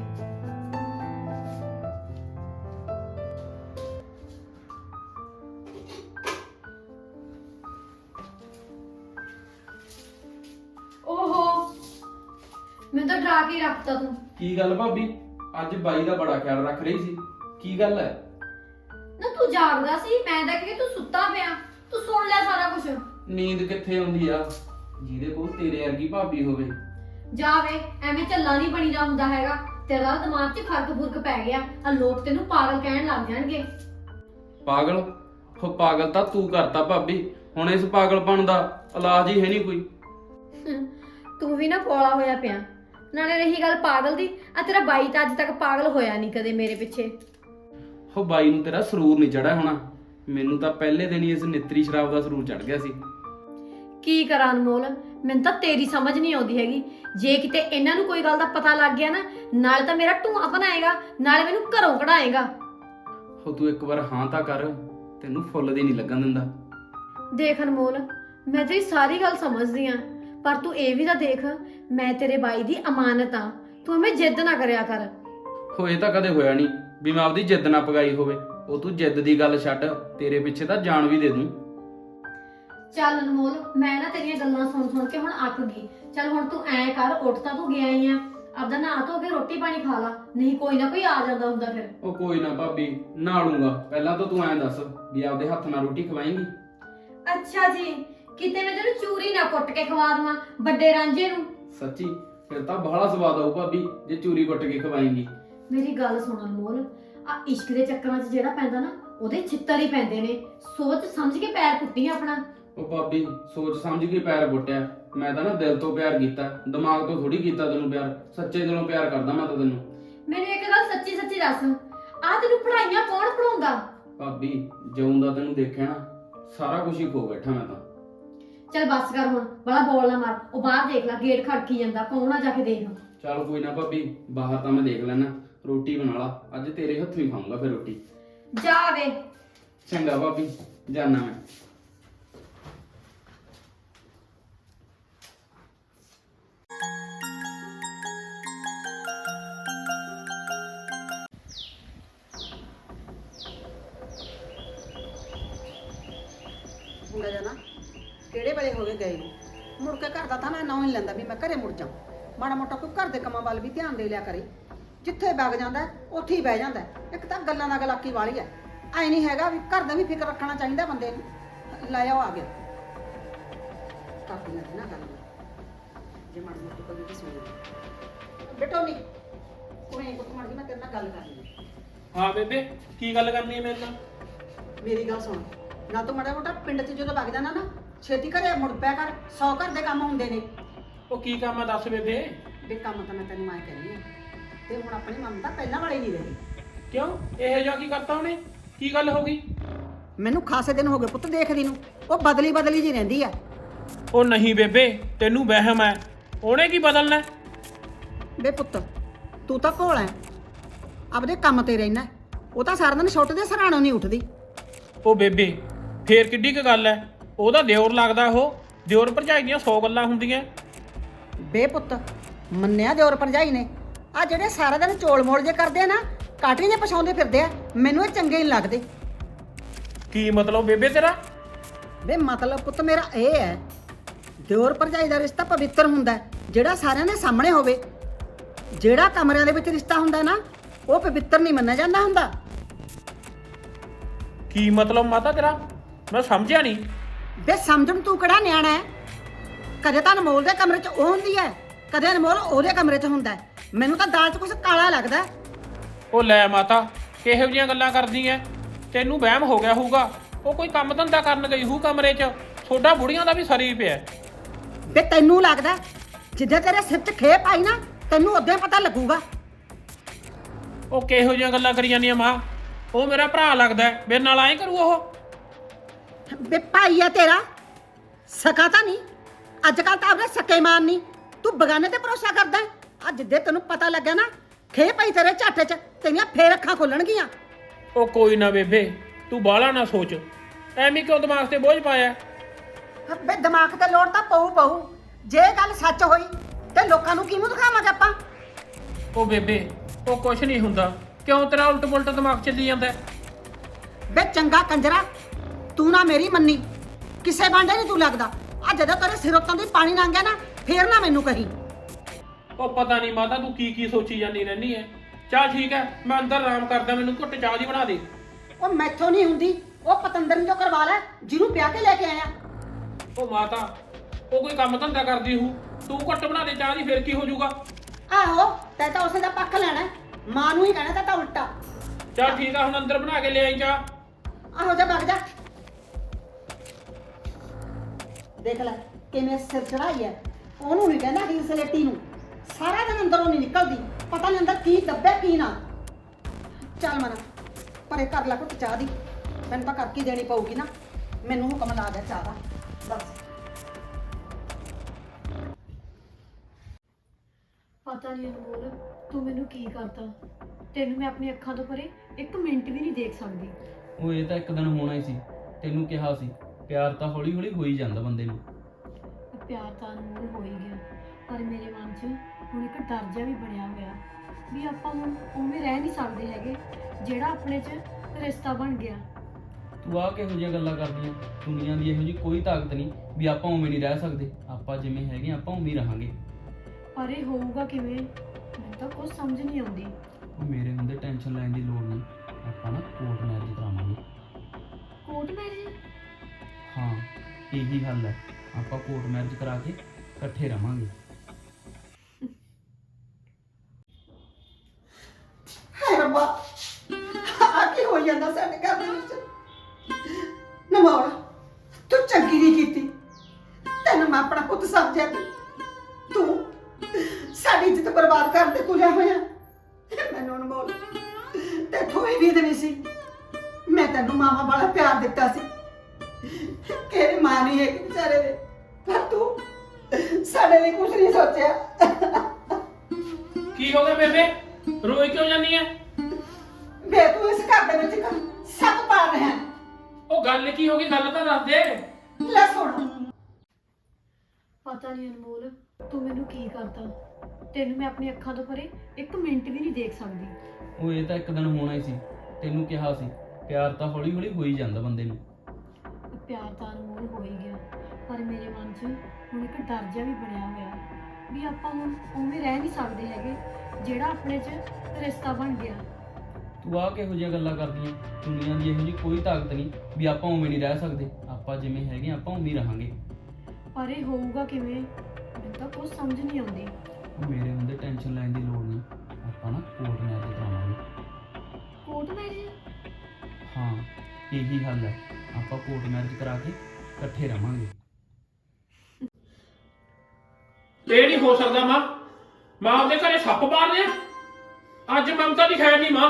[SPEAKER 3] ਓਹੋ, ਮੈਂ ਤਾਂ ਡਰਾ ਕੇ ਹੀ ਰੱਖਤਾ ਤੂੰ।
[SPEAKER 1] ਕੀ ਗੱਲ ਭਾਬੀ, ਅੱਜ ਬਾਈ ਦਾ ਬੜਾ ਖਿਆਲ ਰੱਖ ਰਹੀ ਸੀ, ਕੀ ਗੱਲ ਹੈ?
[SPEAKER 3] ਨਾ ਤੂੰ ਜਾਗਦਾ ਸੀ, ਮੈਂ ਤਾਂ ਕਿ ਤੂੰ ਸੁੱਤਾ ਪਿਆ। ਤੂੰ ਸੁਣ ਲਿਆ ਸਾਰਾ ਕੁਝ।
[SPEAKER 1] ਨੀਂਦ ਕਿੱਥੇ ਆਉਂਦੀ ਆ ਜਿਹਦੇ ਕੋਲ ਤੇਰੇ ਵਰਗੀ ਭਾਬੀ ਹੋਵੇ।
[SPEAKER 3] ਜਾਵੇ, ਐਵੇਂ ਝੱਲਾ ਨਹੀਂ ਬਣੀਦਾ ਹੁੰਦਾ ਹੈਗਾ। ਤੇਰਾ ਦਿਮਾਗ 'ਚ ਫਰਕ ਪੈ ਗਿਆ। ਆ ਲੋਕ ਤੈਨੂੰ ਪਾਗਲ ਕਹਿਣ ਲੱਗ ਜਾਣਗੇ।
[SPEAKER 1] ਪਾਗਲ? ਉਹ ਪਾਗਲ ਤਾਂ ਤੂੰ ਕਰਤਾ ਭਾਬੀ। ਹੁਣ ਇਸ ਪਾਗਲਪਣ ਦਾ ਇਲਾਜ ਹੀ ਹੈ ਨਹੀਂ ਕੋਈ।
[SPEAKER 3] ਤੂੰ ਵੀ ਨਾ ਪੋਲਾ ਹੋਇਆ ਪਿਆ। ਨਾਲੇ ਰਹੀ ਗੱਲ ਪਾਗਲ ਦੀ, ਆ ਤੇਰਾ ਬਾਈ ਤਾਂ ਅੱਜ ਤੱਕ ਪਾਗਲ ਹੋਇਆ ਨਹੀਂ ਕਦੇ ਮੇਰੇ ਪਿੱਛੇ।
[SPEAKER 1] ਉਹ ਬਾਈ ਨੂੰ ਤੇਰਾ ਸਰੂਰ ਨਹੀਂ ਚੜਿਆ ਹੋਣਾ। ਮੈਨੂੰ ਤਾਂ ਪਹਿਲੇ ਦਿਨ ਹੀ ਇਸ ਨਿੱਤਰੀ ਸ਼ਰਾਬ ਦਾ ਸਰੂਰ ਚੜ ਗਿਆ ਸੀ।
[SPEAKER 3] ਕੀ ਕਰਾਂ ਅਨਮੋਲ, ਮੈਨੂੰ ਤਾਂ ਤੇਰੀ ਸਮਝ ਨਹੀਂ ਆਉਂਦੀ ਹੈਗੀ। ਜੇ ਕਿਤੇ ਇਹਨਾਂ ਨੂੰ ਕੋਈ ਗੱਲ ਦਾ ਪਤਾ ਲੱਗ ਗਿਆ ਨਾ, ਨਾਲੇ ਤਾਂ ਮੇਰਾ ਧੂੰਆਂ ਬਣਾਏਗਾ, ਨਾਲੇ ਮੈਨੂੰ ਘਰੋਂ ਕਢਾਏਗਾ।
[SPEAKER 1] ਉਹ ਤੂੰ ਇੱਕ ਵਾਰ ਹਾਂ ਤਾਂ ਕਰ, ਤੈਨੂੰ ਫੁੱਲ ਦੀ ਨਹੀਂ ਲੱਗਣ ਦਿੰਦਾ।
[SPEAKER 3] ਦੇਖ ਅਨਮੋਲ, ਮੈਂ ਤੇਰੀ ਸਾਰੀ ਗੱਲ ਸਮਝਦੀ ਆ, ਪਰ ਤੂੰ ਇਹ ਵੀ ਤਾਂ ਦੇਖ, ਮੈਂ ਤੇਰੇ ਬਾਈ ਦੀ ਅਮਾਨਤ ਆ। ਤੂੰ ਐਵੇਂ ਜਿੱਦ ਨਾ ਕਰਿਆ ਕਰ।
[SPEAKER 1] ਹੋਏ ਤਾਂ ਕਦੇ ਹੋਇਆ ਨਹੀਂ ਵੀ ਮੈਂ ਆਪਦੀ ਜਿੱਦ ਨਾ ਪਗਾਈ ਹੋਵੇ। ਉਹ ਤੂੰ ਜਿੱਦ ਦੀ ਗੱਲ ਛੱਡ, ਤੇਰੇ ਪਿੱਛੇ ਤਾਂ ਜਾਨ ਵੀ ਦੇ ਦੂੰ।
[SPEAKER 3] ਚੱਲ ਅਨਮੋਲ, ਮੈਂ ਨਾ ਤੇਰੀਆਂ ਗੱਲਾਂ ਸੁਣ ਕੇ ਹੁਣ ਅੱਕ ਗਈ। ਚੱਲ ਹੁਣ ਤੂੰ ਐ ਕਰ, ਉੱਠ ਤਾਂ ਤੂੰ ਗਿਆ ਹੀ ਆ, ਆਪਦਾ ਨਹਾ ਧੋ ਕੇ ਰੋਟੀ ਪਾਣੀ ਖਾ ਲਾ, ਨਹੀਂ ਕੋਈ ਨਾ ਕੋਈ ਆ ਜਾਂਦਾ ਹੁੰਦਾ ਫਿਰ।
[SPEAKER 1] ਉਹ ਕੋਈ ਨਾ ਭਾਬੀ, ਨਹਾ ਲੂੰਗਾ। ਪਹਿਲਾਂ ਤਾਂ ਤੂੰ ਐਂ ਦੱਸ ਵੀ ਆਪਦੇ ਹੱਥ ਨਾਲ ਰੋਟੀ ਖਵਾਏਂਗੀ?
[SPEAKER 3] ਅੱਛਾ ਜੀ, ਕਿਤੇ ਮੈਂ ਤੈਨੂੰ ਚੂਰੀ ਨਾ ਕੁੱਟ ਕੇ ਖਵਾ ਦੇਵਾਂ ਵੱਡੇ ਰਾਂਝੇ ਨੂੰ।
[SPEAKER 1] ਸੱਚੀ? ਫਿਰ ਤਾਂ ਬੜਾ ਸਵਾਦ ਆਊ ਭਾਬੀ, ਜੇ ਚੂਰੀ ਕੁੱਟ ਕੇ ਖਵਾਏਂਗੀ।
[SPEAKER 3] ਮੇਰੀ ਗੱਲ ਸੁਣ ਅਨਮੋਲ, ਆ ਇਸ਼ਕ ਦੇ ਚੱਕਰਾਂ 'ਚ ਜਿਹੜਾ ਪੈਂਦਾ ਨਾ, ਉਹਦੇ ਛਿੱਤਰ ਹੀ ਪੈਂਦੇ ਨੇ। ਸੋਚ ਸਮਝ ਕੇ ਪੈਰ ਪੁੱਟੀ ਆਪਣਾ।
[SPEAKER 1] ਉਹ ਭਾਬੀ, ਸੋਚ ਸਮਝ ਕੇ ਪੈਰ ਪੁੱਟਿਆ। ਮੈਂ ਤਾਂ ਨਾ ਦਿਲ ਤੋਂ ਪਿਆਰ ਕੀਤਾ, ਦਿਮਾਗ ਤੋਂ ਥੋੜੀ ਕੀਤਾ ਤੈਨੂੰ ਪਿਆਰ। ਸੱਚੇ ਦਿਲੋਂ ਪਿਆਰ ਕਰਦਾ ਮੈਂ ਤਾਂ ਤੈਨੂੰ।
[SPEAKER 3] ਮੈਨੂੰ ਇੱਕ ਗੱਲ ਸੱਚੀ ਦੱਸ, ਆ ਤੈਨੂੰ ਪੜ੍ਹਾਈਆਂ ਕੌਣ ਪੜਾਉਂਦਾ?
[SPEAKER 1] ਭਾਬੀ, ਜਿਉਂ ਦਾ ਤੈਨੂੰ ਦੇਖਿਆ ਨਾ, ਸਾਰਾ ਕੁਝ ਹੀ ਖੋ ਬੈਠਾ ਮੈਂ ਤਾਂ।
[SPEAKER 3] ਚੱਲ ਬੱਸ ਕਰ ਹੁਣ, ਬੜਾ ਬੋਲ ਨਾ ਮਾਰ। ਉਹ ਬਾਹਰ ਦੇਖ ਲੈ, ਗੇਟ ਖੜਕੀ ਜਾਂਦਾ, ਕੌਣ ਆ, ਜਾ ਕੇ ਦੇਖ।
[SPEAKER 1] ਚੱਲ ਕੋਈ ਨਾ ਭਾਬੀ, ਬਾਹਰ ਤਾਂ ਮੈਂ ਦੇਖ ਲੈਣਾ। ਰੋਟੀ ਬਣਾ ਲਾ, ਅੱਜ ਤੇਰੇ ਹੱਥੋਂ ਹੀ ਖਾਊਂਗਾ ਫਿਰ ਰੋਟੀ।
[SPEAKER 3] ਜਾ ਵੇ।
[SPEAKER 1] ਚੰਗਾ ਭਾਬੀ, ਜਾਨਾ ਮੈਂ।
[SPEAKER 4] ਮੁੰਡਾ ਜਾਣਾ ਕਿਹੜੇ ਵੇਲੇ ਹੋ ਗਏ ਨੂੰ, ਮੁੜ ਕੇ ਘਰ ਦਾ ਤਾਂ ਨਾ ਨਾਂ ਹੀ ਲੈਂਦਾ ਵੀ ਮੈਂ ਘਰੇ ਮੁੜ ਜਾ। ਮਾੜਾ ਮੋਟਾ ਕੋਈ ਘਰ ਦੇ ਕੰਮਾਂ ਵੱਲ ਵੀ ਧਿਆਨ ਦੇ ਲਿਆ ਕਰੇ। ਜਿੱਥੇ ਵਗ ਜਾਂਦਾ ਉੱਥੇ ਹੀ ਬਹਿ ਜਾਂਦਾ। ਇੱਕ ਤਾਂ ਗੱਲਾਂ ਦਾ ਗਲਾਕੀ ਵਾਲੀ ਐ। ਐ ਨਹੀਂ ਹੈਗਾ ਵੀ ਘਰ ਦਾ ਵੀ ਫਿਕਰ ਰੱਖਣਾ ਚਾਹੀਦਾ ਬੰਦੇ ਨੂੰ। ਲੈ ਆਓ, ਆ ਗਿਆ ਕਰਦੀ ਨਾ ਗੱਲ ਜੇ ਮਾੜਾ ਮੋਟਾ ਕੋਈ ਵੀ ਸੁਣੇ। ਬੇਟੋ ਨਹੀਂ ਕੋਈ ਕੁੱਤ ਮਰ ਗਈ, ਮੈਂ ਤੇਰੇ ਨਾਲ ਗੱਲ ਕਰਨੀ ਹੈ।
[SPEAKER 6] ਹਾਂ ਬੇਬੇ, ਕੀ ਗੱਲ ਕਰਨੀ ਹੈ ਮੇਰੇ ਨਾਲ?
[SPEAKER 4] ਮੇਰੀ ਗੱਲ ਸੁਣ, ਨਾ ਤੂੰ ਮਾੜਾ ਮੋਟਾ ਪਿੰਡ 'ਚ ਜਦੋਂ ਵਗ ਜਾਣਾ ਨਾ, ਛੇਤੀ ਘਰੇ ਮੁੜ ਪਿਆ ਕਰ। 100 ਘਰ ਦੇ ਕੰਮ ਹੁੰਦੇ ਨੇ।
[SPEAKER 6] ਉਹ ਕੀ ਕੰਮ ਆ ਦੱਸ ਬੇਬੇ।
[SPEAKER 4] ਵੀ ਕੰਮ ਤਾਂ ਮੈਂ ਤੈਨੂੰ ਆਏ ਕਹਿੰਦੀ ਆ, ਤੇ ਹੁਣ ਆਪਣੀ ਮਮਤਾ ਪਹਿਲਾਂ ਵਾਲੀ ਨਹੀਂ ਰਹੀ।
[SPEAKER 6] ਕਿਉਂ, ਇਹੋ ਜਿਹਾ ਕੀ ਕਰਤਾ ਉਹਨੇ? ਕੀ ਗੱਲ ਹੋ ਗਈ?
[SPEAKER 4] ਮੈਨੂੰ ਖਾਸੇ ਦਿਨ ਹੋ ਗਏ ਪੁੱਤ ਦੇਖਦੀ ਨੂੰ, ਉਹ ਬਦਲੀ ਜੀ ਰਹਿੰਦੀ ਆ।
[SPEAKER 6] ਉਹ ਨਹੀਂ ਬੇਬੇ, ਤੈਨੂੰ ਵਹਿਮ ਹੈ। ਉਹਨੇ ਕੀ ਬਦਲਣਾ?
[SPEAKER 4] ਬੇ ਪੁੱਤ, ਤੂੰ ਤਾਂ ਘੋਲ ਐ, ਆਪਦੇ ਕੰਮ ਤੇ ਰਹਿਣਾ। ਉਹ ਤਾਂ ਸਾਰਾ ਦਿਨ ਛੁੱਟ ਦੇ ਸਰਾਣੋਂ ਨਹੀਂ ਉੱਠਦੀ।
[SPEAKER 6] ਉਹ ਬੇਬੇ, ਫੇਰ ਕਿੱਡੀ ਕੁ ਗੱਲ ਹੈ? ਉਹਦਾ ਦਿਓਰ ਲੱਗਦਾ ਉਹ। ਦਿਓਰ ਭਰਜਾਈ ਦੀਆਂ 100 ਗੱਲਾਂ ਹੁੰਦੀਆਂ।
[SPEAKER 4] ਬੇ ਪੁੱਤ, ਮੰਨਿਆ ਦਿਓਰ ਭਰਜਾਈ ਨੇ, ਆ ਜਿਹੜੇ ਸਾਰਾ ਦਿਨ ਚੋਲ ਮੋਲ ਜੇ ਕਰਦੇ ਆ ਨਾ, ਕਾਟਰੀ ਜੇ ਪਛਾਉਂਦੇ ਫਿਰਦੇ ਆ, ਮੈਨੂੰ ਇਹ ਚੰਗੇ ਨਹੀਂ ਲੱਗਦੇ।
[SPEAKER 6] ਕੀ ਮਤਲਬ ਬੇਬੇ ਤੇਰਾ?
[SPEAKER 4] ਵੇ ਮਤਲਬ ਪੁੱਤ ਮੇਰਾ ਇਹ ਹੈ, ਦਿਓਰ ਭਰਜਾਈ ਦਾ ਰਿਸ਼ਤਾ ਪਵਿੱਤਰ ਹੁੰਦਾ, ਜਿਹੜਾ ਸਾਰਿਆਂ ਦੇ ਸਾਹਮਣੇ ਹੋਵੇ। ਜਿਹੜਾ ਕਮਰਿਆਂ ਦੇ ਵਿੱਚ ਰਿਸ਼ਤਾ ਹੁੰਦਾ ਨਾ, ਉਹ ਪਵਿੱਤਰ ਨਹੀਂ ਮੰਨਿਆ ਜਾਂਦਾ ਹੁੰਦਾ।
[SPEAKER 6] ਕੀ ਮਤਲਬ ਮਾਤਾ ਤੇਰਾ? ਮੈਂ ਸਮਝਿਆ ਨਹੀਂ।
[SPEAKER 4] ਬੇ ਸਮਝਣ ਤੂੰ ਕਿਹੜਾ ਨਿਆਣਾ ਹੈ? ਕਦੇ ਤਾਂ ਅਨਮੋਲ ਦੇ ਕਮਰੇ 'ਚ ਉਹ ਹੁੰਦੀ ਹੈ, ਕਦੇ ਅਨਮੋਲ ਉਹਦੇ ਕਮਰੇ 'ਚ ਹੁੰਦਾ ਹੈ। ਮੈਨੂੰ ਤਾਂ ਦਾਲ 'ਚ ਕੁਝ ਕਾਲਾ ਲੱਗਦਾ ਹੈ।
[SPEAKER 6] ਉਹ ਲੈ ਮਾਤਾ, ਕਿਹੋ ਜਿਹੀਆਂ ਗੱਲਾਂ ਕਰਦੀ ਐ? ਤੈਨੂੰ ਵਹਿਮ ਹੋ ਗਿਆ ਹੋਊਗਾ। ਉਹ ਕੋਈ ਕੰਮ ਧੰਦਾ ਕਰਨ ਗਈ ਹੋਊ ਕਮਰੇ 'ਚ। ਤੁਹਾਡਾ ਬੁੜੀਆਂ ਦਾ ਵੀ ਸਰੀ ਪਿਆ।
[SPEAKER 4] ਬੇ ਤੈਨੂੰ ਲੱਗਦਾ ਜਿੱਦਾਂ ਤੇਰੇ ਸਿਰ 'ਚ ਖੇਪ ਆਈ ਨਾ, ਤੈਨੂੰ ਉਦੋਂ ਪਤਾ ਲੱਗੂਗਾ।
[SPEAKER 6] ਉਹ ਕਿਹੋ ਜਿਹੀਆਂ ਗੱਲਾਂ ਕਰੀ ਜਾਂਦੀਆਂ ਮਾਂ? ਉਹ ਮੇਰਾ ਭਰਾ ਲੱਗਦਾ ਹੈ, ਮੇਰੇ ਨਾਲ ਐਂ ਕਰੂ ਉਹ?
[SPEAKER 4] ਬੇ ਭਾਈ ਆ ਤੇਰਾ, ਸਕਾ ਤਾਂ ਨਹੀਂ। ਅੱਜ ਕੱਲ ਤਾਂ ਆਪਣੇ ਸਕੇ ਮਾਨ ਨਹੀਂ, ਤੂੰ ਬਗਾਨੇ ਤੇ ਭਰੋਸਾ ਕਰਦਾ। ਅੱਜ ਜਿੱਦੇ ਤੈਨੂੰ ਪਤਾ ਲੱਗਿਆ ਨਾ ਖੇ ਪਈ ਤੇਰੇ ਝਾਟੇ 'ਚ, ਤੇਰੀਆਂ ਫੇਰ ਅੱਖਾਂ ਖੁੱਲਣਗੀਆਂ।
[SPEAKER 6] ਉਹ ਕੋਈ ਨਾ ਬੇਬੇ, ਤੂੰ ਬਾਹਲਾ ਨਾ ਸੋਚ। ਐਵੇਂ ਕਿਉਂ ਦਿਮਾਗ ਤੇ ਬੋਝ ਪਾਇਆ?
[SPEAKER 4] ਬੇ ਦਿਮਾਗ ਤੇ ਲੋੜ ਤਾਂ ਪਊ। ਜੇ ਇਹ ਗੱਲ ਸੱਚ ਹੋਈ ਤੇ ਲੋਕਾਂ ਨੂੰ ਕਿਵੇਂ ਦਿਖਾਵਾਂਗੇ ਆਪਾਂ?
[SPEAKER 6] ਉਹ ਬੇਬੇ, ਉਹ ਕੁਛ ਨਹੀਂ ਹੁੰਦਾ। ਕਿਉਂ ਤੇਰਾ ਉਲਟ ਪੁਲਟ ਦਿਮਾਗ ਚੱਲੀ ਜਾਂਦਾ ਹੈ?
[SPEAKER 4] ਬੇ ਚੰਗਾ ਕੰਜਰਾ, ਤੂੰ ਨਾ ਮੇਰੀ ਮੰਨੀ, ਕਿਸੇ ਬਾਂਡੇ ਨਹੀਂ ਤੂੰ ਲੱਗਦਾ। ਆ ਜਦੋਂ ਤੇਰੇ ਸਿਰ ਉੱਤੋਂ ਦੀ ਪਾਣੀ ਲੰਘ ਗਿਆ ਨਾ, ਫੇਰ ਨਾ ਮੈਨੂੰ ਕਹੀ।
[SPEAKER 6] ਉਹ ਪਤਾ ਨਹੀਂ ਮਾਤਾ, ਤੂੰ ਕੀ ਸੋਚੀ ਜਾਂਦੀ ਰਹਿੰਦੀ ਹੈ। ਚੱਲ ਠੀਕ ਹੈ, ਮੈਂ ਅੰਦਰ ਆਰਾਮ ਕਰਦਾ, ਮੈਨੂੰ ਘੁੱਟ ਚਾਹ ਦੀ ਬਣਾ ਦੇ।
[SPEAKER 4] ਉਹ ਮੈਥੋਂ ਨਹੀਂ ਹੁੰਦੀ, ਉਹ ਪਤੰਦਰ ਤੋਂ ਕਰਵਾ ਲੈ ਜਿਹਨੂੰ ਵਿਆਹ ਕੇ ਲੈ ਕੇ ਆਇਆ।
[SPEAKER 6] ਉਹ ਮਾਤਾ, ਉਹ ਕੋਈ ਕੰਮ ਧੰਦਾ ਕਰਦੀ ਹੂ, ਤੂੰ ਘੁੱਟ ਬਣਾ ਦੇ ਚਾਹ ਦੀ, ਫਿਰ ਕੀ ਹੋ ਜਾਊਗਾ?
[SPEAKER 4] ਆਹੋ, ਤੈ ਤਾਂ ਉਸੇ ਦਾ ਪੱਖ ਲੈਣਾ, ਮਾਂ ਨੂੰ ਹੀ ਕਹਿਣਾ ਤਾਂ ਉਲਟਾ।
[SPEAKER 6] ਚੱਲ ਠੀਕ ਆ, ਹੁਣ ਅੰਦਰ ਬਣਾ ਕੇ ਲੈ ਆਈ ਚਾਹ।
[SPEAKER 4] ਆਹੋ ਜਾ ਵਗ ਜਾ। ਦੇਖ ਲੈ ਕਿਵੇਂ ਸਿਰ ਚੜਾਈ ਹੈ। ਉਹਨੂੰ ਨਹੀਂ ਕਹਿੰਦਾ ਕਿ ਸਲੇਟੀ ਨੂੰ ਸਾਰਾ ਦਿਨ ਅੰਦਰੋਂ ਨਹੀਂ ਨਿਕਲਦੀ, ਪਤਾ ਨਹੀਂ ਅੰਦਰ ਕੀ ਦੱਬਿਆ ਕੀ ਨਾ। ਚੱਲ ਮਨਾ ਪਰੇ ਕਰ ਲੈ ਕੁੱਟ ਚਾਹ ਦੀ, ਮੈਨੂੰ ਤਾਂ ਕਰਕੇ ਦੇਣੀ ਪਊਗੀ ਨਾ। ਮੈਨੂੰ ਹੁਕਮ ਲਾ ਗਿਆ ਚਾਹ ਦਾ ਬਸ।
[SPEAKER 3] ਪਤਾ ਨਹੀਂ ਅਨਮੋਲ ਤੂੰ ਮੈਨੂੰ ਕੀ ਕਰਤਾ। ਤੈਨੂੰ ਮੈਂ ਆਪਣੀ ਅੱਖਾਂ ਤੋਂ ਪਰੇ ਇੱਕ ਮਿੰਟ ਵੀ ਨਹੀਂ ਦੇਖ ਸਕਦੀ।
[SPEAKER 2] ਉਹ ਇਹ ਤਾਂ ਇੱਕ ਦਿਨ ਹੋਣਾ ਹੀ ਸੀ। ਤੈਨੂੰ ਕਿਹਾ ਸੀ ਪਿਆਰ ਤਾਂ ਹੌਲੀ ਹੌਲੀ ਹੋ ਹੀ ਜਾਂਦਾ ਬੰਦੇ ਨੂੰ।
[SPEAKER 3] ਪਿਆਰ ਤਾਂ ਅਨਮੋਲ ਹੋ ਹੀ ਗਿਆ, ਪਰ ਮੇਰੇ ਮਨ 'ਚ ਹੁਣ ਇੱਕ ਡਰ ਜਿਹਾ ਵੀ ਬਣਿਆ ਹੋਇਆ ਵੀ ਆਪਾਂ ਹੁਣ ਉਵੇਂ ਰਹਿ ਨਹੀਂ ਸਕਦੇ ਹੈਗੇ ਜਿਹੜਾ ਆਪਣੇ 'ਚ ਰਿਸ਼ਤਾ ਬਣ ਗਿਆ।
[SPEAKER 2] ਤੂੰ ਆਹ ਕਿਹੋ ਜਿਹੀਆਂ ਗੱਲਾਂ ਕਰਦੀਆਂ? ਦੁਨੀਆ ਦੀ ਇਹੋ ਜਿਹੀ ਕੋਈ ਤਾਕਤ ਨਹੀਂ ਵੀ ਆਪਾਂ ਉਵੇਂ ਨਹੀਂ ਰਹਿ ਸਕਦੇ। ਆਪਾਂ ਜਿਵੇਂ ਹੈਗੇ ਆਪਾਂ ਉਵੇਂ ਹੀ ਰਹਾਂਗੇ।
[SPEAKER 3] ਪਰ ਇਹ ਹੋਊਗਾ ਕਿਵੇਂ? ਮੈਨੂੰ ਤਾਂ ਕੁਝ ਸਮਝ ਨਹੀਂ ਆਉਂਦੀ।
[SPEAKER 2] ਉਹ ਮੇਰੇ ਹੁੰਦੇ ਟੈਨਸ਼ਨ ਲੈਣ ਦੀ ਲੋੜ ਨਹੀਂ। ਆਪਾਂ ਨਾ ਕੋਰਟ ਮੈਰਿਜ ਕਰਾਵਾਂਗੇ।
[SPEAKER 3] Court marriage?
[SPEAKER 2] ਹਾਂ, ਇਹੀ ਹੱਲ ਹੈ। ਆਪਾਂ ਕੋਰਟ ਮੈਰਿਜ ਕਰਾ ਕੇ ਇਕੱਠੇ ਰਵਾਂਗੇ।
[SPEAKER 4] ਹਾਏ ਰੱਬਾ, ਆ ਕੀ ਹੋ ਜਾਂਦਾ ਸਾਡੇ ਘਰ ਦੇ ਵਿੱਚ? ਨਮੌੜ, ਤੂੰ ਚੰਗੀ ਨਹੀਂ ਕੀਤੀ। ਤੈਨੂੰ ਮੈਂ ਆਪਣਾ ਪੁੱਤ ਸਮਝਿਆ ਸੀ, ਤੂੰ ਸਾਡੀ ਇੱਜ਼ਤ ਬਰਬਾਦ ਕਰਨ ਤੇ ਤੁਲਿਆ ਹੋਇਆ। ਮੈਨੂੰ ਅਨਮੋਲ ਤੈਥੋਂ ਹੀ ਵੀਦ ਨਹੀਂ ਸੀ। ਮੈਂ ਤੈਨੂੰ ਮਾਵਾਂ ਵਾਲਾ ਪਿਆਰ ਦਿੱਤਾ ਸੀ, ਕਿਹੜੀ ਮਾਂ ਨਹੀਂ ਹੈ ਵਿਚਾਰੇ ਦੇ, ਪਰ ਤੂੰ ਸਾਡੇ ਲਈ ਕੁਝ ਨਹੀਂ ਸੋਚਿਆ।
[SPEAKER 6] ਕੀ ਹੋ ਗਿਆ ਬੇਬੇ, ਰੋਈ ਕਿਉਂ ਜਾਂਦੀ ਹੈ?
[SPEAKER 4] ਬੇ ਤੂੰ ਇਸ ਘਰ ਦੇ ਵਿੱਚ ਸੱਪ ਪਾਲ ਰਿਹਾ ਹੈ।
[SPEAKER 6] ਉਹ ਗੱਲ ਕੀ ਹੋ ਗਈ, ਗੱਲ ਤਾਂ ਦੱਸ ਦੇ।
[SPEAKER 4] ਲੈ ਸੁਣ,
[SPEAKER 3] ਪਤਾ ਨਹੀਂ ਅਨਮੋਲ ਤੂੰ ਮੈਨੂੰ ਕੀ ਕਰਤਾ। ਤੈਨੂੰ ਮੈਂ ਆਪਣੀ ਅੱਖਾਂ ਤੋਂ ਪਰੇ ਇੱਕ ਮਿੰਟ ਵੀ ਨਹੀਂ ਦੇਖ ਸਕਦੀ।
[SPEAKER 2] ਉਹ ਇਹ ਤਾਂ ਇੱਕ ਦਿਨ ਹੋਣਾ ਹੀ ਸੀ। ਤੈਨੂੰ ਕਿਹਾ ਸੀ ਪਿਆਰ ਤਾਂ ਹੌਲੀ ਹੌਲੀ ਹੋ ਹੀ ਜਾਂਦਾ ਬੰਦੇ ਨੂੰ।
[SPEAKER 3] ਪਿਆਰ ਤਾਂ ਅਨਮੋਲ ਹੋ ਹੀ ਗਿਆ, ਪਰ ਮੇਰੇ ਮਨ 'ਚ ਹੁਣ ਇੱਕ ਡਰ ਜਿਹਾ ਵੀ ਬਣਿਆ ਹੋਇਆ ਵੀ ਆਪਾਂ ਹੁਣ ਉਵੇਂ ਰਹਿ ਨਹੀਂ ਸਕਦੇ ਹੈਗੇ ਜਿਹੜਾ ਆਪਣੇ 'ਚ ਰਿਸ਼ਤਾ ਬਣ ਗਿਆ।
[SPEAKER 2] ਤੂੰ ਆਹ ਕਿਹੋ ਜਿਹੀਆਂ ਗੱਲਾਂ ਕਰਦੀਆਂ? ਦੁਨੀਆ ਦੀ ਇਹੋ ਜਿਹੀ ਕੋਈ ਤਾਕਤ ਨਹੀਂ ਵੀ ਆਪਾਂ ਉਵੇਂ ਨਹੀਂ ਰਹਿ ਸਕਦੇ। ਆਪਾਂ ਜਿਵੇਂ ਹੈਗੇ ਆਪਾਂ ਉਵੇਂ ਹੀ ਰਹਾਂਗੇ।
[SPEAKER 3] ਪਰ ਇਹ ਹੋਊਗਾ ਕਿਵੇਂ? ਮੈਨੂੰ ਤਾਂ ਕੁਝ ਸਮਝ ਨਹੀਂ ਆਉਂਦੀ।
[SPEAKER 2] ਉਹ ਮੇਰੇ ਹੁੰਦੇ ਟੈਨਸ਼ਨ ਲੈਣ ਦੀ ਲੋੜ ਨਹੀਂ। ਆਪਾਂ ਨਾ ਕੋਰਟ ਮੈਰਿਜ ਕਰਾਵਾਂਗੇ।
[SPEAKER 3] Court marriage?
[SPEAKER 2] ਹਾਂ, ਇਹੀ ਹੱਲ ਹੈ। ਆਪਾਂ ਕੋਰਟ ਮੈਰਿਜ ਕਰਾ ਕੇ ਇਕੱਠੇ ਰਵਾਂਗੇ।
[SPEAKER 6] ਇਹ ਨਹੀਂ ਹੋ ਸਕਦਾ ਮਾਂ। ਮਾਂ ਆਪਦੇ ਘਰੇ ਸੱਪ ਮਾਰ ਰਿਹਾ। ਅੱਜ ਮਮਤਾ ਦੀ ਖੈਰ ਨਹੀਂ ਮਾਂ।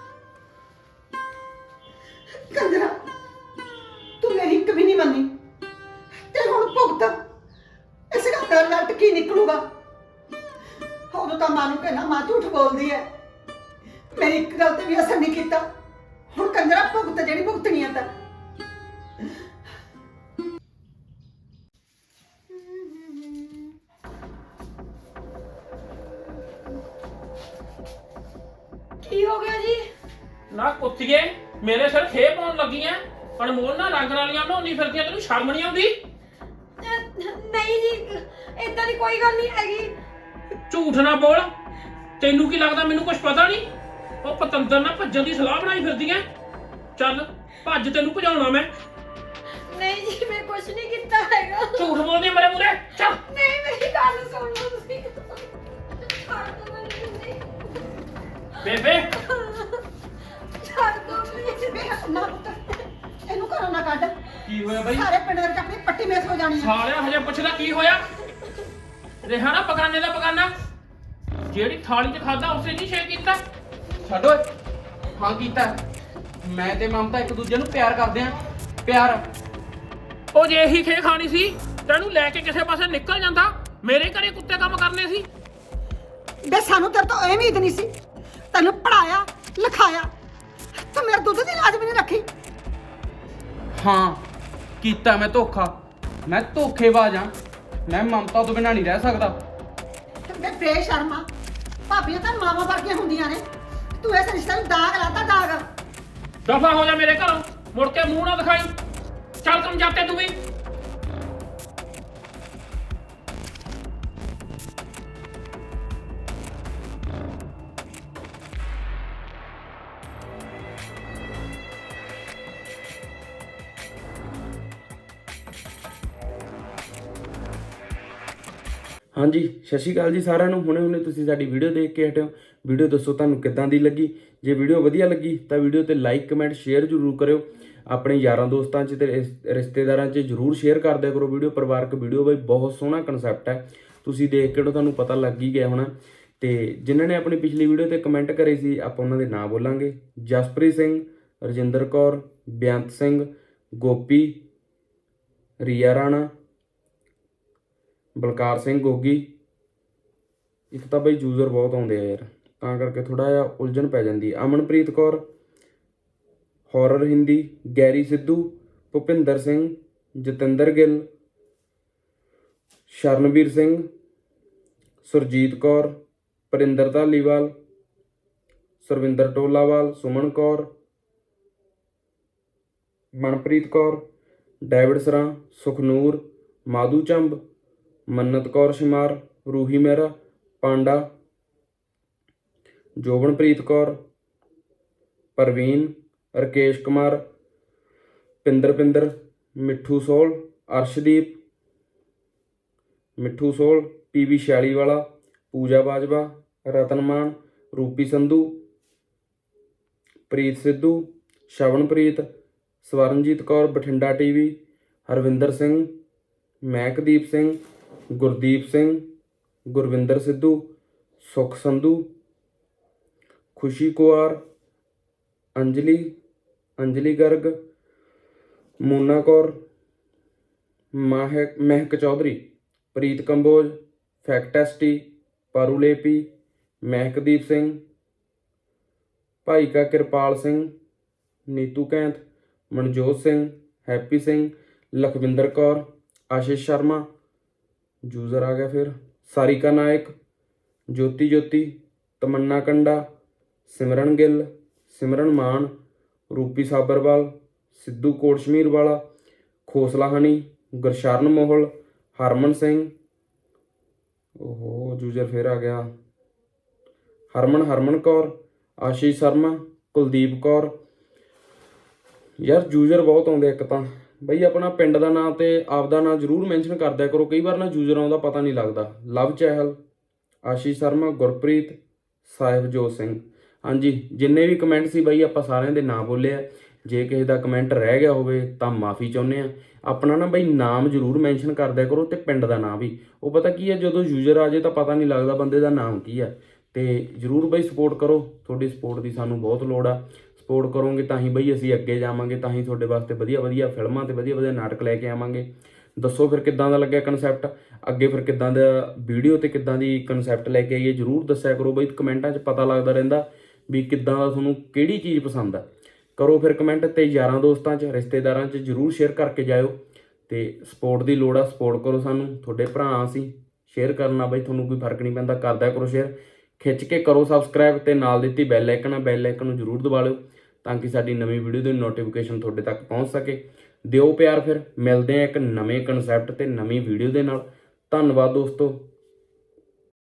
[SPEAKER 4] ਕੰਜਰਾ ਤੂੰ ਮੇਰੀ ਇੱਕ ਵੀ ਨਹੀਂ ਮੰਨੀ ਤੇ ਹੁਣ ਭੁਗਤ ਇਸ ਗੱਲ ਦਾ ਲੱਟ ਕੀ ਨਿਕਲੂਗਾ? ਉਦੋਂ ਤਾਂ ਮਾਂ ਨੂੰ ਕਹਿਣਾ ਮਾਂ ਝੂਠ ਬੋਲਦੀ ਹੈ, ਮੇਰੀ ਇੱਕ ਗੱਲ ਤੇ ਵੀ ਅਸਰ ਨਹੀਂ ਕੀਤਾ। ਹੁਣ ਕੰਜਰਾ ਭੁਗਤ ਜਿਹੜੀ ਭੁਗਤਣੀ ਹੈ ਤਾਂ।
[SPEAKER 3] ਕੀ ਹੋ ਗਿਆ ਜੀ?
[SPEAKER 6] ਨਾ ਕੁੱਤੀਏ, ਮੇਰੇ ਸਿਰ ਖੇ ਪਾਉਣ ਲੱਗੀ ਐ। ਅਨਮੋਲ ਨਾ ਰੰਗ ਵਾਲੀਆਂ ਨਹਾਉਣੀ ਫਿਰਦੀਆਂ, ਤੈਨੂੰ ਸ਼ਰਮ ਨਹੀਂ ਆਉਂਦੀ?
[SPEAKER 3] ਨਹੀਂ ਜੀ, ਇਦਾਂ ਦੀ ਕੋਈ ਗੱਲ ਨਹੀਂ ਹੈਗੀ।
[SPEAKER 6] ਝੂਠ ਨਾ ਬੋਲ। ਤੈਨੂੰ ਕੀ ਲੱਗਦਾ ਮੈਨੂੰ ਕੁਝ ਪਤਾ ਨਹੀਂ? ਉਹ ਪਤੰਦਰ ਨਾਲ ਭੱਜਣ ਦੀ ਸਲਾਹ ਬਣਾਈ ਫਿਰਦੀਆਂ। ਚੱਲ ਭੱਜ, ਤੈਨੂੰ ਭਜਾਉਣਾ ਮੈਂ।
[SPEAKER 3] ਨਹੀਂ ਜੀ ਮੈਂ ਕੁਝ ਨਹੀਂ ਕੀਤਾ ਹੈਗਾ।
[SPEAKER 6] ਝੂਠ ਬੋਲਦੀ ਮੇਰੇ ਮੂਰੇ ਚੱਲ।
[SPEAKER 3] ਨਹੀਂ ਮੇਰੀ ਗੱਲ ਸੁਣ ਲਓ ਤੁਸੀਂ। ਛੱਡ ਦਿਓ ਮੈਨੂੰ ਤੁਸੀਂ।
[SPEAKER 6] ਬੇਬੇ
[SPEAKER 3] ਛੱਡ ਦਿਓ ਪਲੀਜ਼।
[SPEAKER 4] ਵੇ ਨਾ ਪੁੱਤ, ਇਹਨੂੰ ਘਰੋਂ ਨਾ ਕੱਢ।
[SPEAKER 1] ਕੀ ਹੋਇਆ ਬਾਈ?
[SPEAKER 4] ਸਾਰੇ ਪਿੰਡ ਦੇ ਵਿੱਚ ਆਪਣੀ ਪੱਟੀ ਮੇਸ ਹੋ ਜਾਣੀ ਆ।
[SPEAKER 6] ਸਾਲਿਆ ਹਜੇ ਪੁੱਛਦਾ ਕੀ ਹੋਇਆ? ਰਿਹਾ ਨਾ ਪਕਾਨੇ ਦਾ ਪਕਾਨਾ, ਜਿਹੜੀ ਥਾਲੀ 'ਚ ਖਾਦਾ ਉਸੇ ਨਹੀਂ ਸ਼ੇਅਰ ਕੀਤਾ।
[SPEAKER 1] ਛੱਡ ਓਏ। ਹਾਂ ਕੀਤਾ। ਮੈਂ ਤੇ ਮਮਤਾ ਇੱਕ ਦੂਜੇ ਨੂੰ ਪਿਆਰ ਕਰਦੇ ਆਂ। ਪਿਆਰ।
[SPEAKER 6] ਉਹ ਜੇ ਇਹੀ ਖੇ ਖਾਣੀ ਸੀ ਤੈਨੂੰ ਲੈ ਕੇ ਕਿਸੇ ਪਾਸੇ ਨਿਕਲ ਜਾਂਦਾ। ਮੇਰੇ ਘਰੇ ਕੁੱਤੇ ਕੰਮ ਕਰਨੇ ਸੀ।
[SPEAKER 4] ਵੇ ਸਾਨੂੰ ਤੇਰੇ ਤੋਂ ਇਹ ਉਮੀਦ ਨਹੀਂ ਸੀ। ਤੈਨੂੰ ਪੜਾਇਆ ਲਿਖਾਇਆ, ਤੂੰ ਮੇਰੇ ਦੁੱਧ ਦੀ ਲਾਜ ਵੀ ਨਹੀਂ ਰੱਖੀ।
[SPEAKER 1] ਹਾਂ ਕੀਤਾ ਮੈਂ ਧੋਖਾ। ਮੈਂ ਧੋਖੇਬਾਜ਼ ਆਂ। ਮੈਂ ਮਮਤਾ ਤੋਂ ਬਿਨਾਂ ਨਹੀਂ ਰਹਿ ਸਕਦਾ।
[SPEAKER 4] ਵੇ ਬੇਸ਼ਰਮਾ, ਭਾਬੀਆਂ ਤਾਂ ਮਾਵਾਂ ਵਰਗੀਆਂ ਹੁੰਦੀਆਂ ਨੇ। ਤੂੰ ਇਸ ਰਿਸ਼ਤੇ ਨੂੰ ਦਾਗ ਲਾਤਾ, ਦਾਗ।
[SPEAKER 6] ਦਫਾ ਹੋ ਜਾ ਮੇਰੇ ਘਰੋਂ, ਮੁੜ ਕੇ ਮੂੰਹ ਨਾ ਦਿਖਾਈ। ਚੱਲ ਤੁਮ ਜਾਤੇ ਤੂੰ ਵੀ।
[SPEAKER 2] ਹਾਂਜੀ, ਸਤਿ ਸ਼੍ਰੀ ਅਕਾਲ ਜੀ ਸਾਰਿਆਂ ਨੂੰ। ਹੁਣੇ ਤੁਸੀਂ ਸਾਡੀ ਵੀਡੀਓ ਦੇਖ ਕੇ ਹਟਿਓ। ਵੀਡੀਓ ਦੱਸੋ ਤੁਹਾਨੂੰ ਕਿੱਦਾਂ ਦੀ ਲੱਗੀ। ਜੇ ਵੀਡੀਓ ਵਧੀਆ ਲੱਗੀ ਤਾਂ ਵੀਡੀਓ ਤੇ ਲਾਈਕ ਕਮੈਂਟ ਸ਼ੇਅਰ ਜ਼ਰੂਰ ਕਰਿਓ। ਆਪਣੇ ਯਾਰਾਂ ਦੋਸਤਾਂ 'ਚ ਤੇ ਰਿਸ਼ਤੇਦਾਰਾਂ 'ਚ ਜ਼ਰੂਰ ਸ਼ੇਅਰ ਕਰ ਦਿਆ ਕਰੋ ਵੀਡੀਓ। ਪਰਿਵਾਰਕ ਵੀਡੀਓ ਬਈ ਬਹੁਤ ਸੋਹਣਾ ਕਨਸੈਪਟ ਹੈ। ਤੁਸੀਂ ਦੇਖ ਕੇ ਤੁਹਾਨੂੰ ਪਤਾ ਲੱਗ ਹੀ ਗਿਆ ਹੋਣਾ। ਤੇ ਜਿਨ੍ਹਾਂ ਨੇ ਆਪਣੀ ਪਿਛਲੀ ਵੀਡੀਓ ਤੇ ਕਮੈਂਟ ਕਰੇ ਸੀ ਆਪਾਂ ਉਹਨਾਂ ਦੇ ਨਾਂ ਬੋਲਾਂਗੇ। ਜਸਪ੍ਰੀਤ ਸਿੰਘ, ਰਜਿੰਦਰ ਕੌਰ, ਬੇਅੰਤ ਸਿੰਘ, ਗੋਪੀ, ਰੀਆ ਰਾਣਾ, ਬਲਕਾਰ ਸਿੰਘ ਗੋਗੀ। ਇੱਕ ਤਾਂ ਬਈ ਯੂਜ਼ਰ ਬਹੁਤ ਆਉਂਦੇ ਆ ਯਾਰ, ਤਾਂ ਕਰਕੇ ਥੋੜਾ ਜਿਹਾ ਉਲਝਣ ਪੈ ਜਾਂਦੀ ਹੈ। Amanpreet Kaur, horror Hindi, Garry Sidhu, Bhupinder Singh, Jatinder Gill, Sharanveer Singh, Surjit Kaur, Parinder Dhaliwal, Sarvinder Tolawal, Suman Kaur, Manpreet Kaur, David Sran, Sukhnoor, Madhu Chamb, Mannat Kaur Shamar, Roohi Mehra, Panda, Jobanpreet Kaur, Parveen, Rakesh Kumar, Pinder, Mithu Sol, Arshdeep, Mithu Sol, PV Chhiali ਵਾਲਾ, ਪੂਜਾ ਬਾਜਵਾ, ਰਤਨਮਾਨ, ਰੂਪੀ ਸੰਧੂ, ਪ੍ਰੀਤ ਸਿੱਧੂ, ਸ਼ਵਨਪ੍ਰੀਤ, ਸਵਰਨਜੀਤ ਕੌਰ, ਬਠਿੰਡਾ ਟੀਵੀ, ਹਰਵਿੰਦਰ ਸਿੰਘ, ਮਹਿਕਦੀਪ ਸਿੰਘ, ਗੁਰਦੀਪ ਸਿੰਘ, ਗੁਰਵਿੰਦਰ ਸਿੱਧੂ, ਸੁਖ ਸੰਧੂ, ਖੁਸ਼ੀ ਕੁਆਰ, ਅੰਜਲੀ ਗਰਗ, ਮੋਨਾ ਕੌਰ, ਮਹਿਕ ਚੌਧਰੀ, ਪ੍ਰੀਤ ਕੰਬੋਜ, ਫੈਕਟੈਸਟੀ, ਪਾਰੂਲੇਪੀ, ਮਹਿਕਦੀਪ ਸਿੰਘ, ਭਾਈ ਕਾ ਕਿਰਪਾਲ ਸਿੰਘ, ਨੀਤੂ ਕੈਂਥ, ਮਨਜੋਤ ਸਿੰਘ, ਹੈਪੀ ਸਿੰਘ, ਲਖਵਿੰਦਰ ਕੌਰ, ਆਸ਼ੀਸ਼ ਸ਼ਰਮਾ, ਯੂਜ਼ਰ ਆ ਗਿਆ ਫਿਰ, ਸਾਰਿਕਾ ਨਾਇਕ, ਜੋਤੀ, ਤਮੰਨਾ ਕੰਡਾ, ਸਿਮਰਨ ਗਿੱਲ, ਸਿਮਰਨ ਮਾਨ, ਰੂਪੀ ਸਾਬਰਵਾਲ, ਸਿੱਧੂ ਕੋਟਸ਼ਮੀਰ ਵਾਲਾ, ਖੋਸਲਾ ਹਨੀ, ਗੁਰਸ਼ਰਨ ਮੋਹਲ, ਹਰਮਨ ਸਿੰਘ, ਓਹੋ ਯੂਜ਼ਰ ਫਿਰ ਆ ਗਿਆ, ਹਰਮਨ ਕੌਰ, ਆਸ਼ੀਸ਼ ਸ਼ਰਮਾ, ਕੁਲਦੀਪ ਕੌਰ। ਯਾਰ ਯੂਜ਼ਰ ਬਹੁਤ ਆਉਂਦੇ ਇੱਕ ਤਾਂ ਬਈ। ਆਪਣਾ ਪਿੰਡ ਦਾ ਨਾਂ ਤੇ ਆਪਦਾ ਨਾਂ ਜ਼ਰੂਰ ਮੈਂਸ਼ਨ ਕਰ ਦਿਆ ਕਰੋ। ਕਈ ਵਾਰ ਨਾ ਯੂਜ਼ਰਾਂ ਦਾ ਪਤਾ ਨਹੀਂ ਲੱਗਦਾ। ਲਵ ਚਹਿਲ, ਆਸ਼ੀਸ਼ ਸ਼ਰਮਾ, ਗੁਰਪ੍ਰੀਤ, ਸਾਹਿਬਜੋਤ ਸਿੰਘ। ਹਾਂਜੀ, ਜਿੰਨੇ ਵੀ ਕਮੈਂਟ ਸੀ ਬਈ ਆਪਾਂ ਸਾਰਿਆਂ ਦੇ ਨਾਂ ਬੋਲੇ ਆ। ਜੇ ਕਿਸੇ ਦਾ ਕਮੈਂਟ ਰਹਿ ਗਿਆ ਹੋਵੇ ਤਾਂ ਮਾਫੀ ਚਾਹੁੰਦੇ ਆ। ਆਪਣਾ ਨਾ ਬਈ ਨਾਮ ਜ਼ਰੂਰ ਮੈਂਸ਼ਨ ਕਰ ਦਿਆ ਕਰੋ ਤੇ ਪਿੰਡ ਦਾ ਨਾਂ ਵੀ। ਉਹ ਪਤਾ ਕੀ ਹੈ, ਜਦੋਂ ਯੂਜ਼ਰ ਆ ਜਾਏ ਤਾਂ ਪਤਾ ਨਹੀਂ ਲੱਗਦਾ ਬੰਦੇ ਦਾ ਨਾਮ ਕੀ ਹੈ। ਤੇ ਜ਼ਰੂਰ ਬਈ ਸਪੋਰਟ ਕਰੋ। ਤੁਹਾਡੀ ਸਪੋਰਟ ਦੀ ਸਾਨੂੰ ਬਹੁਤ ਲੋੜ ਆ। ਸਪੋਰਟ ਕਰੋਗੇ ਤਾਂ ਹੀ ਬਈ ਅਸੀਂ ਅੱਗੇ ਜਾਵਾਂਗੇ, ਤਾਂ ਹੀ ਤੁਹਾਡੇ ਵਾਸਤੇ ਵਧੀਆ ਫਿਲਮਾਂ ਤੇ ਵਧੀਆ ਨਾਟਕ ਲੈ ਕੇ ਆਵਾਂਗੇ। ਦੱਸੋ ਫਿਰ ਕਿੱਦਾਂ ਦਾ ਲੱਗਿਆ ਕਨਸੈਪਟ, ਅੱਗੇ ਫਿਰ ਕਿੱਦਾਂ ਦਾ ਵੀਡੀਓ ਤੇ ਕਿੱਦਾਂ ਦੀ ਕਨਸੈਪਟ ਲੈ ਕੇ ਆਈਏ ਜ਼ਰੂਰ ਦੱਸਿਆ ਕਰੋ ਬਈ। ਕਮੈਂਟਾਂ 'ਚ ਪਤਾ ਲੱਗਦਾ ਰਹਿੰਦਾ ਵੀ ਕਿੱਦਾਂ ਦਾ ਤੁਹਾਨੂੰ ਕਿਹੜੀ ਚੀਜ਼ ਪਸੰਦ ਆ। ਕਰੋ ਫਿਰ ਕਮੈਂਟ ਤੇ ਯਾਰਾਂ ਦੋਸਤਾਂ 'ਚ ਰਿਸ਼ਤੇਦਾਰਾਂ 'ਚ ਜ਼ਰੂਰ ਸ਼ੇਅਰ ਕਰਕੇ ਜਾਇਓ। ਤੇ ਸਪੋਰਟ ਦੀ ਲੋੜ ਆ, ਸਪੋਰਟ ਕਰੋ ਸਾਨੂੰ। ਤੁਹਾਡੇ ਭਰਾ ਅਸੀਂ, ਸ਼ੇਅਰ ਕਰਨਾ ਬਈ ਤੁਹਾਨੂੰ ਕੋਈ ਫਰਕ ਨਹੀਂ ਪੈਂਦਾ, ਕਰਦਿਆ ਕਰੋ ਸ਼ੇਅਰ। ਖਿੱਚ ਕੇ ਕਰੋ ਸਬਸਕ੍ਰਾਈਬ ਤੇ ਨਾਲ ਦਿੱਤੀ ਬੈਲ ਆਈਕਨ ਨੂੰ ਜ਼ਰੂਰ ਦਬਾ ਲਿਓ ਤਾਂ ਕਿ ਸਾਡੀ ਨਵੀਂ ਵੀਡੀਓ ਦੀ ਨੋਟੀਫਿਕੇਸ਼ਨ ਤੁਹਾਡੇ ਤੱਕ ਪਹੁੰਚ ਸਕੇ। ਦਿਓ ਪਿਆਰ। ਫਿਰ ਮਿਲਦੇ ਆ ਇੱਕ ਨਵੇਂ ਕਨਸੈਪਟ ਤੇ ਨਵੀਂ ਵੀਡੀਓ ਦੇ ਨਾਲ। ਧੰਨਵਾਦ ਦੋਸਤੋ।